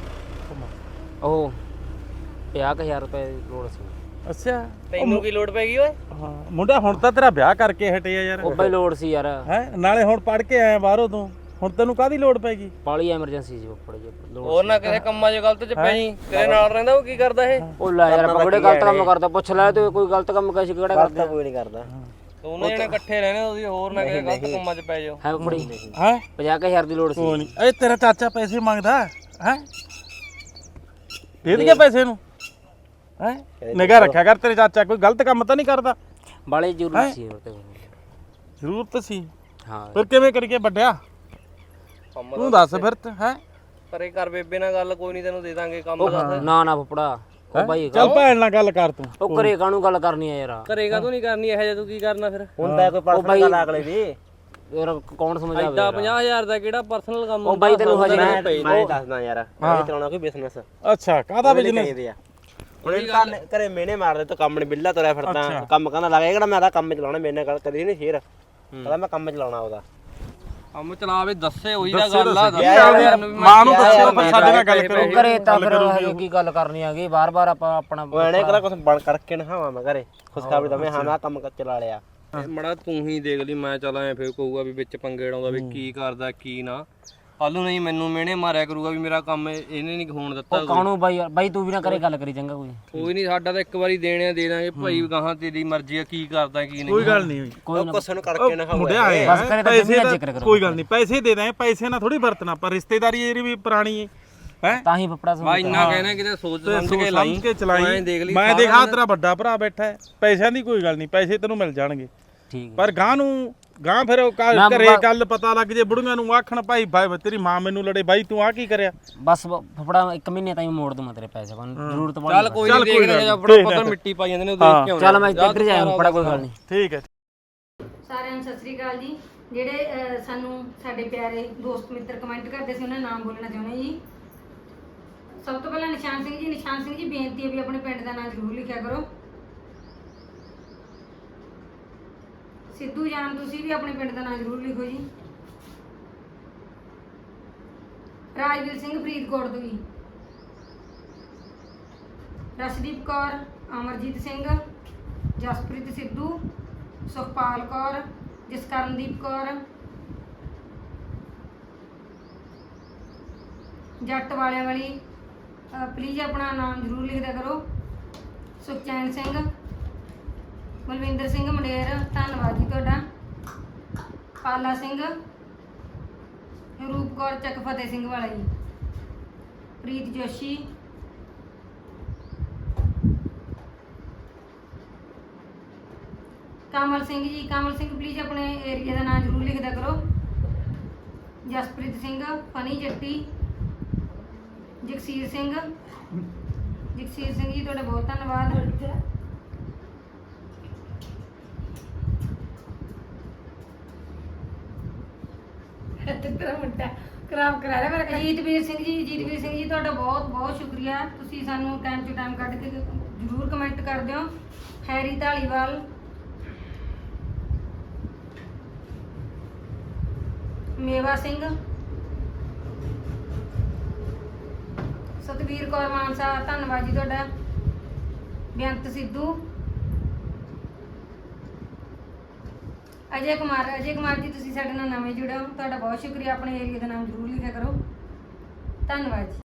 [SPEAKER 8] ਉਹ ਪੰਜਾਹ ਕੁ ਹਜ਼ਾਰ ਰੁਪਏ ਦੀ ਲੋੜ ਸੀ।
[SPEAKER 2] ਅੱਛਾ
[SPEAKER 4] ਤੈਨੂੰ ਕੀ ਲੋੜ ਪੈ ਗਈ ਓਏ?
[SPEAKER 2] ਹਾਂ ਮੁੰਡਾ ਹੁਣ ਤਾਂ ਤੇਰਾ ਵਿਆਹ ਕਰਕੇ ਹਟੇ ਆ ਯਾਰ
[SPEAKER 8] ਉਹ ਬਈ ਲੋੜ ਸੀ ਯਾਰ,
[SPEAKER 2] ਹੈ ਨਾਲੇ ਹੁਣ ਪੜ ਕੇ ਆਇਆ ਬਾਹਰੋਂ ਤੂੰ, ਹੁਣ ਤੈਨੂੰ ਕਾਹਦੀ ਲੋੜ ਪੈਗੀ?
[SPEAKER 8] ਬਾਲੀ ਐਮਰਜੈਂਸੀ ਸੀ ਫੁੱਫੜ ਜੀ ਲੋੜ
[SPEAKER 4] ਹੋਰ ਨਾ ਕਿਸੇ ਕੰਮਾਂ 'ਚ ਗਲਤ 'ਚ ਪੈ ਜੀ, ਤੇਰੇ ਨਾਲ ਰਹਿੰਦਾ ਉਹ ਕੀ ਕਰਦਾ ਇਹ?
[SPEAKER 8] ਉਹ ਲੈ ਯਾਰ ਆਪਾਂ ਕਿਹੜੇ ਗਲਤ ਕੰਮ ਕਰਦਾ, ਪੁੱਛ ਲੈ ਤੇ ਕੋਈ ਗਲਤ ਕੰਮ ਕੈਸੇ ਕਿਹੜਾ ਕਰਦਾ
[SPEAKER 9] ਕੋਈ ਨਹੀਂ ਕਰਦਾ
[SPEAKER 4] ਦੋਨੇ ਜਣੇ ਇਕੱਠੇ ਰਹਿੰਦੇ ਤੁਸੀਂ, ਹੋਰ ਨਾ ਕਿਸੇ ਗਲਤ ਕੰਮਾਂ 'ਚ ਪੈ ਜਾਓ।
[SPEAKER 8] ਹੈ ਫੁੱਫੜੀ
[SPEAKER 2] ਹੈ
[SPEAKER 8] ਪੰਜਾਹ ਕੁ ਹਜ਼ਾਰ ਦੀ ਲੋੜ ਸੀ।
[SPEAKER 2] ਕੋਈ ਨਹੀਂ, ਇਹ ਤੇਰਾ ਚਾਚਾ ਪੈਸੇ ਮੰਗਦਾ ਹੈ, ਦੇ ਦੇ ਪੈਸੇ ਨੂੰ ਹੈ, ਨਿਗਾਹ ਰੱਖਿਆ ਕਰ, ਤੇਰੇ ਚਾਚਾ ਕੋਈ ਗਲਤ ਕੰਮ ਤਾਂ ਨਹੀਂ ਕਰਦਾ।
[SPEAKER 8] ਬਾਲੀ ਜ਼ਰੂਰਤ ਸੀ ਹੋਰ ਤੇ
[SPEAKER 2] ਜ਼ਰੂਰਤ ਸੀ,
[SPEAKER 8] ਹਾਂ
[SPEAKER 2] ਫਿਰ ਕਿਵੇਂ ਕਰੀਏ ਵੱਡਿਆ ਤੂੰ ਦੱਸ ਫਿਰ ਹੈ।
[SPEAKER 4] ਪਰੇ ਕਰ ਬੇਬੇ ਨਾਲ ਗੱਲ, ਕੋਈ ਨਹੀਂ ਤੈਨੂੰ ਦੇ ਦਾਂਗੇ ਕੰਮ ਦੱਸ।
[SPEAKER 8] ਨਾ ਨਾ ਫੁੱਫੜਾ ਉਹ ਬਾਈ
[SPEAKER 2] ਚੱਲ ਭੈਣ ਨਾਲ ਗੱਲ ਕਰ ਤੂੰ।
[SPEAKER 8] ਉਹ ਘਰੇ ਕਾਹਨੂੰ ਗੱਲ ਕਰਨੀ ਆ ਯਾਰ,
[SPEAKER 4] ਕਰੇਗਾ ਤੂੰ ਨਹੀਂ ਕਰਨੀ ਇਹੋ ਜਿਹਾ, ਤੂੰ ਕੀ ਕਰਨਾ ਫਿਰ?
[SPEAKER 9] ਹੁੰਦਾ ਕੋਈ ਪਰਸਨਲ ਗੱਲ ਅਗਲੇ ਦੀ
[SPEAKER 8] ਯਾਰ ਕੌਣ ਸਮਝਾਵੇ
[SPEAKER 4] ਐਡਾ ਪੰਜਾਹ ਹਜ਼ਾਰ ਦਾ ਕਿਹੜਾ ਪਰਸਨਲ ਕੰਮ
[SPEAKER 8] ਉਹ ਬਾਈ ਤੈਨੂੰ ਹਜੇ
[SPEAKER 9] ਮੈਂ ਮੈਂ ਦੱਸਦਾ ਯਾਰ ਮੈਂ ਚਲਾਉਣਾ ਕੋਈ ਬਿਜ਼ਨਸ
[SPEAKER 2] ਅੱਛਾ ਕਾਹਦਾ ਬਿਜ਼ਨਸ?
[SPEAKER 9] ਹੁਣ ਇਹ ਤਾਂ ਘਰੇ ਮੇਨੇ ਮਾਰਦੇ ਤੂੰ ਕੰਮ ਨਹੀਂ ਬਿੱਲਾ ਤੁਰਿਆ ਫਿਰਦਾ, ਕੰਮ ਕਹਿੰਦਾ ਲੱਗਾ ਕਿਹੜਾ ਮੈਂ ਤਾਂ ਕੰਮ ਚਲਾਉਣਾ, ਮੇਰੇ ਨਾਲ ਗੱਲ ਕਰੀ ਨਹੀਂ ਫੇਰ ਕਹਿੰਦਾ ਮੈਂ ਕੰਮ ਚਲਾਉਣਾ ਉਹਦਾ।
[SPEAKER 4] ਕੰਮ ਚਲਾਵੇ ਦੱਸੇ ਉਹੀ ਦਾ ਗੱਲ ਆ,
[SPEAKER 2] ਮਾਂ ਨੂੰ ਦੱਸੋ ਫਿਰ ਸਾਡੇ ਨਾਲ ਗੱਲ ਕਰੋ।
[SPEAKER 8] ਘਰੇ ਤਾਂ ਫਿਰ ਹਜੇ ਕੀ ਗੱਲ ਕਰਨੀ ਹੈਗੀ, ਬਾਰ-ਬਾਰ ਆਪਾਂ ਆਪਣਾ
[SPEAKER 9] ਉਹ ਐਨੇ ਕਿਹੜਾ ਕੁਝ ਬਣ ਕਰਕੇ ਨਾ ਖਾਵਾਂ ਮੈਂ ਘਰੇ ਖੁਸ਼ਖਬਰੀ ਦਵੇਂ ਹਾਂ ਮੈਂ ਕੰਮ ਚਲਾ ਲਿਆ।
[SPEAKER 4] ਮੜਾ ਤੂੰ ਹੀ ਦੇਖ ਲਈ, ਮੈਂ ਚੱਲ ਐ ਫੇਰ ਕਹੂਗਾ ਵੀ ਵਿੱਚ ਪੰਗੇ ਡਾਉਂਦਾ ਵੀ ਕੀ ਕਰਦਾ ਕੀ ਨਾ, ਹਾਲੂ ਨਹੀਂ ਮੈਨੂੰ ਮਿਹਣੇ ਮਾਰਿਆ ਕਰੂਗਾ ਵੀ ਮੇਰਾ ਕੰਮ ਇਹਨੇ ਨਹੀਂ ਹੋਣ ਦਿੱਤਾ।
[SPEAKER 8] ਕਾਹਨੂੰ ਬਾਈ ਯਾਰ, ਬਾਈ ਤੂੰ ਵੀ ਨਾ ਕਰੇ ਗੱਲ ਕਰੀ ਚੰਗਾ ਕੋਈ।
[SPEAKER 4] ਕੋਈ ਨਹੀਂ, ਸਾਡਾ ਤਾਂ ਇੱਕ ਵਾਰੀ ਦੇਣਿਆ ਦੇ ਦਾਂਗੇ ਭਾਈ, ਗਾਹਾਂ ਤੇਰੀ ਮਰਜ਼ੀ ਆ ਕੀ ਕਰਦਾ ਕੀ ਨਹੀਂ।
[SPEAKER 2] ਕੋਈ ਗੱਲ ਨਹੀਂ ਹੋਈ,
[SPEAKER 8] ਕੋਈ ਨਾ
[SPEAKER 9] ਕੁਛ ਨੂੰ ਕਰਕੇ ਨਾ ਖਾਓ
[SPEAKER 2] ਮੁੰਡਿਆ ਆਏ
[SPEAKER 8] ਬਸ ਕਰੇ ਤਾਂ
[SPEAKER 2] ਪੈਸੇ
[SPEAKER 8] ਜਮੀਨ
[SPEAKER 2] ਦਾ
[SPEAKER 8] ਜ਼ਿਕਰ ਕਰੋ।
[SPEAKER 2] ਕੋਈ ਗੱਲ ਨਹੀਂ, ਪੈਸੇ ਦੇ ਦਾਂ, ਪੈਸੇ ਨਾਲ ਥੋੜੀ ਵਰਤਣਾ, ਪਰ ਰਿਸ਼ਤੇਦਾਰੀ ਇਹਦੀ ਵੀ ਪੁਰਾਣੀ ਹੈ ਹੈ।
[SPEAKER 8] ਤਾਂ ਹੀ ਫੁੱਫੜਾ
[SPEAKER 4] ਮੈਂ
[SPEAKER 8] ਸਮਝ
[SPEAKER 4] ਇੰਨਾ ਕਹਿਣਾ ਕਿਤੇ ਸੋਚ ਸਮਝ ਕੇ ਲਾਈ,
[SPEAKER 2] ਸਮਝ ਕੇ ਚਲਾਈ।
[SPEAKER 4] ਮੈਂ ਦੇਖ ਲਈ
[SPEAKER 2] ਮੈਂ ਦੇਖਾ ਤੇਰਾ ਵੱਡਾ ਭਰਾ ਬੈਠਾ ਹੈ, ਪੈਸਿਆਂ ਦੀ ਕੋਈ ਗੱਲ ਨਹੀਂ, ਪੈਸੇ ਤੈਨੂੰ ਮਿਲ ਜਾਣਗੇ,
[SPEAKER 8] ਠੀਕ ਹੈ।
[SPEAKER 2] ਪਰ ਗਾਂ ਨੂੰ ਗਾਂ ਫਿਰ ਉਹ ਘਰ-
[SPEAKER 8] ਨਾ
[SPEAKER 2] ਘਰੇ
[SPEAKER 8] ਬਾਬਾ-
[SPEAKER 2] ਗੱਲ ਪਤਾ ਲੱਗ ਜੇ, ਬੁੜੀਆਂ ਨੂੰ ਆਖਣ ਭਾਈ ਭਾਈ ਤੇਰੀ ਮਾਂ ਮੈਨੂੰ ਲੜੇ, ਬਾਈ ਤੂੰ ਆ ਕੀ ਕਰਿਆ?
[SPEAKER 8] ਬਸ ਫੁੱਫੜਾ ਇੱਕ ਮਹੀਨੇ ਤਾਈਂ ਮੋੜ ਦੂੰ ਮੈਂ ਤੇਰੇ ਪੈਸੇ, ਕੋਈ ਜ਼ਰੂਰਤ ਪੜੀ।
[SPEAKER 4] ਚੱਲ ਕੋਈ
[SPEAKER 2] ਚੱਲ
[SPEAKER 4] ਨਹੀਂ,
[SPEAKER 2] ਕੋਈ
[SPEAKER 4] ਦੇਖਦੇ
[SPEAKER 2] ਗੱਲ
[SPEAKER 4] ਆ
[SPEAKER 2] ਨੀ,
[SPEAKER 4] ਫੜਾ
[SPEAKER 2] ਦੇਖਦੇ
[SPEAKER 4] ਪੱਕਰ
[SPEAKER 2] ਆ।
[SPEAKER 4] ਮਿੱਟੀ ਪਾਈ ਜਾਂਦੇ ਨੇ ਉਹ ਦੇਖ ਕੇ ਆਉਣਾ।
[SPEAKER 8] ਚੱਲ ਮੈਂ ਇੱਧਰ ਜਾਇਆ ਫੁੱਫੜਾ, ਕੋਈ ਗੱਲ ਨਹੀਂ।
[SPEAKER 2] ਠੀਕ ਹੈ।
[SPEAKER 5] ਸਾਰਿਆਂ ਨੂੰ ਸਤਿ ਸ੍ਰੀ ਅਕਾਲ ਜੀ। ਜਿਹੜੇ ਅਹ, ਸਾਨੂੰ ਸਾਡੇ ਪਿਆਰੇ ਦੋਸਤ ਮਿੱਤਰ ਕਮੈਂਟ ਕਰਦੇ ਸੀ, ਉਹਨਾਂ ਦਾ ਨਾਮ ਬੋਲਣਾ ਚਾਹੁੰਦੇ ਜੀ। ਸਭ ਤੋਂ ਪਹਿਲਾਂ ਨਿਸ਼ਾਨ ਸਿੰਘ ਜੀ, ਨਿਸ਼ਾਨ ਸਿੰਘ ਜੀ ਬੇਨਤੀ ਹੈ ਵੀ ਆਪਣੇ ਪਿੰਡ ਦਾ ਨਾਮ ਜ਼ਰੂਰ ਲਿਖਿਆ ਕਰੋ। ਸਿੱਧੂ ਜਾਨ ਤੁਸੀਂ ਵੀ ਆਪਣੇ ਪਿੰਡ ਦਾ ਨਾਮ ਜ਼ਰੂਰ ਲਿਖੋ ਜੀ। ਰਾਜਵੀਰ ਸਿੰਘ ਫਰੀਦਕੋਟ ਤੋਂ ਜੀ। ਰਸ਼ਦੀਪ ਕੌਰ, ਅਮਰਜੀਤ ਸਿੰਘ, ਜਸਪ੍ਰੀਤ ਸਿੱਧੂ, ਸੁਖਪਾਲ ਕੌਰ, ਜਸਕਰਨਦੀਪ ਕੌਰ, ਜੱਟ ਵਾਲਿਆਂ ਵਾਲੀ, ਪਲੀਜ਼ ਆਪਣਾ ਨਾਮ ਜ਼ਰੂਰ ਲਿਖਦਾ ਕਰੋ। ਸੁਖਚੈਨ ਸਿੰਘ, ਮਲਵਿੰਦਰ ਸਿੰਘ ਮੰਡੇਰ, ਧੰਨਵਾਦ ਜੀ ਤੁਹਾਡਾ। ਪਾਲਾ ਸਿੰਘ, ਰੂਪ ਕੌਰ ਚੱਕ ਫਤਿਹ ਸਿੰਘ ਵਾਲਾ ਜੀ। ਪ੍ਰੀਤ ਜੋਸ਼ੀ, ਕਮਲ ਸਿੰਘ ਜੀ, ਕਮਲ ਸਿੰਘ ਪਲੀਜ਼ ਆਪਣੇ ਏਰੀਆ ਦਾ ਨਾਮ ਜ਼ਰੂਰ ਲਿਖਦਾ ਕਰੋ। ਜਸਪ੍ਰੀਤ ਸਿੰਘ, ਫਨੀ ਜੱਟੀ, ਜਗਸੀਰ ਸਿੰਘ, ਜਗਸੀਰ ਸਿੰਘ ਜੀ ਤੁਹਾਡਾ ਬਹੁਤ ਧੰਨਵਾਦ। ਤੇਰਾ ਮੁੰਡਾ ਖਰਾਬ ਕਰਾ ਰਿਹਾ ਮੇਰਾ। ਜੀਤਵੀਰ ਸਿੰਘ ਜੀ, ਜੀਤਵੀਰ ਸਿੰਘ ਜੀ ਤੁਹਾਡਾ ਬਹੁਤ ਬਹੁਤ ਸ਼ੁਕਰੀਆ, ਤੁਸੀਂ ਸਾਨੂੰ ਟਾਈਮ ਟੂ ਟਾਈਮ ਕੱਢ ਕੇ ਜ਼ਰੂਰ ਕਮੈਂਟ ਕਰਦੇ ਹੋ। ਹੈਰੀ ਢਾਲੀਵਾਲ, ਮੇਵਾ ਸਿੰਘ, ਸਤਵੀਰ ਕੌਰ ਮਾਨਸਾ, ਧੰਨਵਾਦ ਜੀ ਤੁਹਾਡਾ। ਬੇਅੰਤ ਸਿੱਧੂ, ਅਜੇ ਕੁਮਾਰ, ਅਜੇ ਕੁਮਾਰ ਜੀ ਤੁਸੀਂ ਸਾਡੇ ਨਾਲ ਨਵੇਂ ਜੁੜੇ ਹੋ, ਤੁਹਾਡਾ ਬਹੁਤ ਸ਼ੁਕਰੀਆ। ਆਪਣੇ ਏਰੀਆ ਦਾ ਨਾਮ ਜ਼ਰੂਰ ਲਿਖਿਆ ਕਰੋ, ਧੰਨਵਾਦ ਜੀ।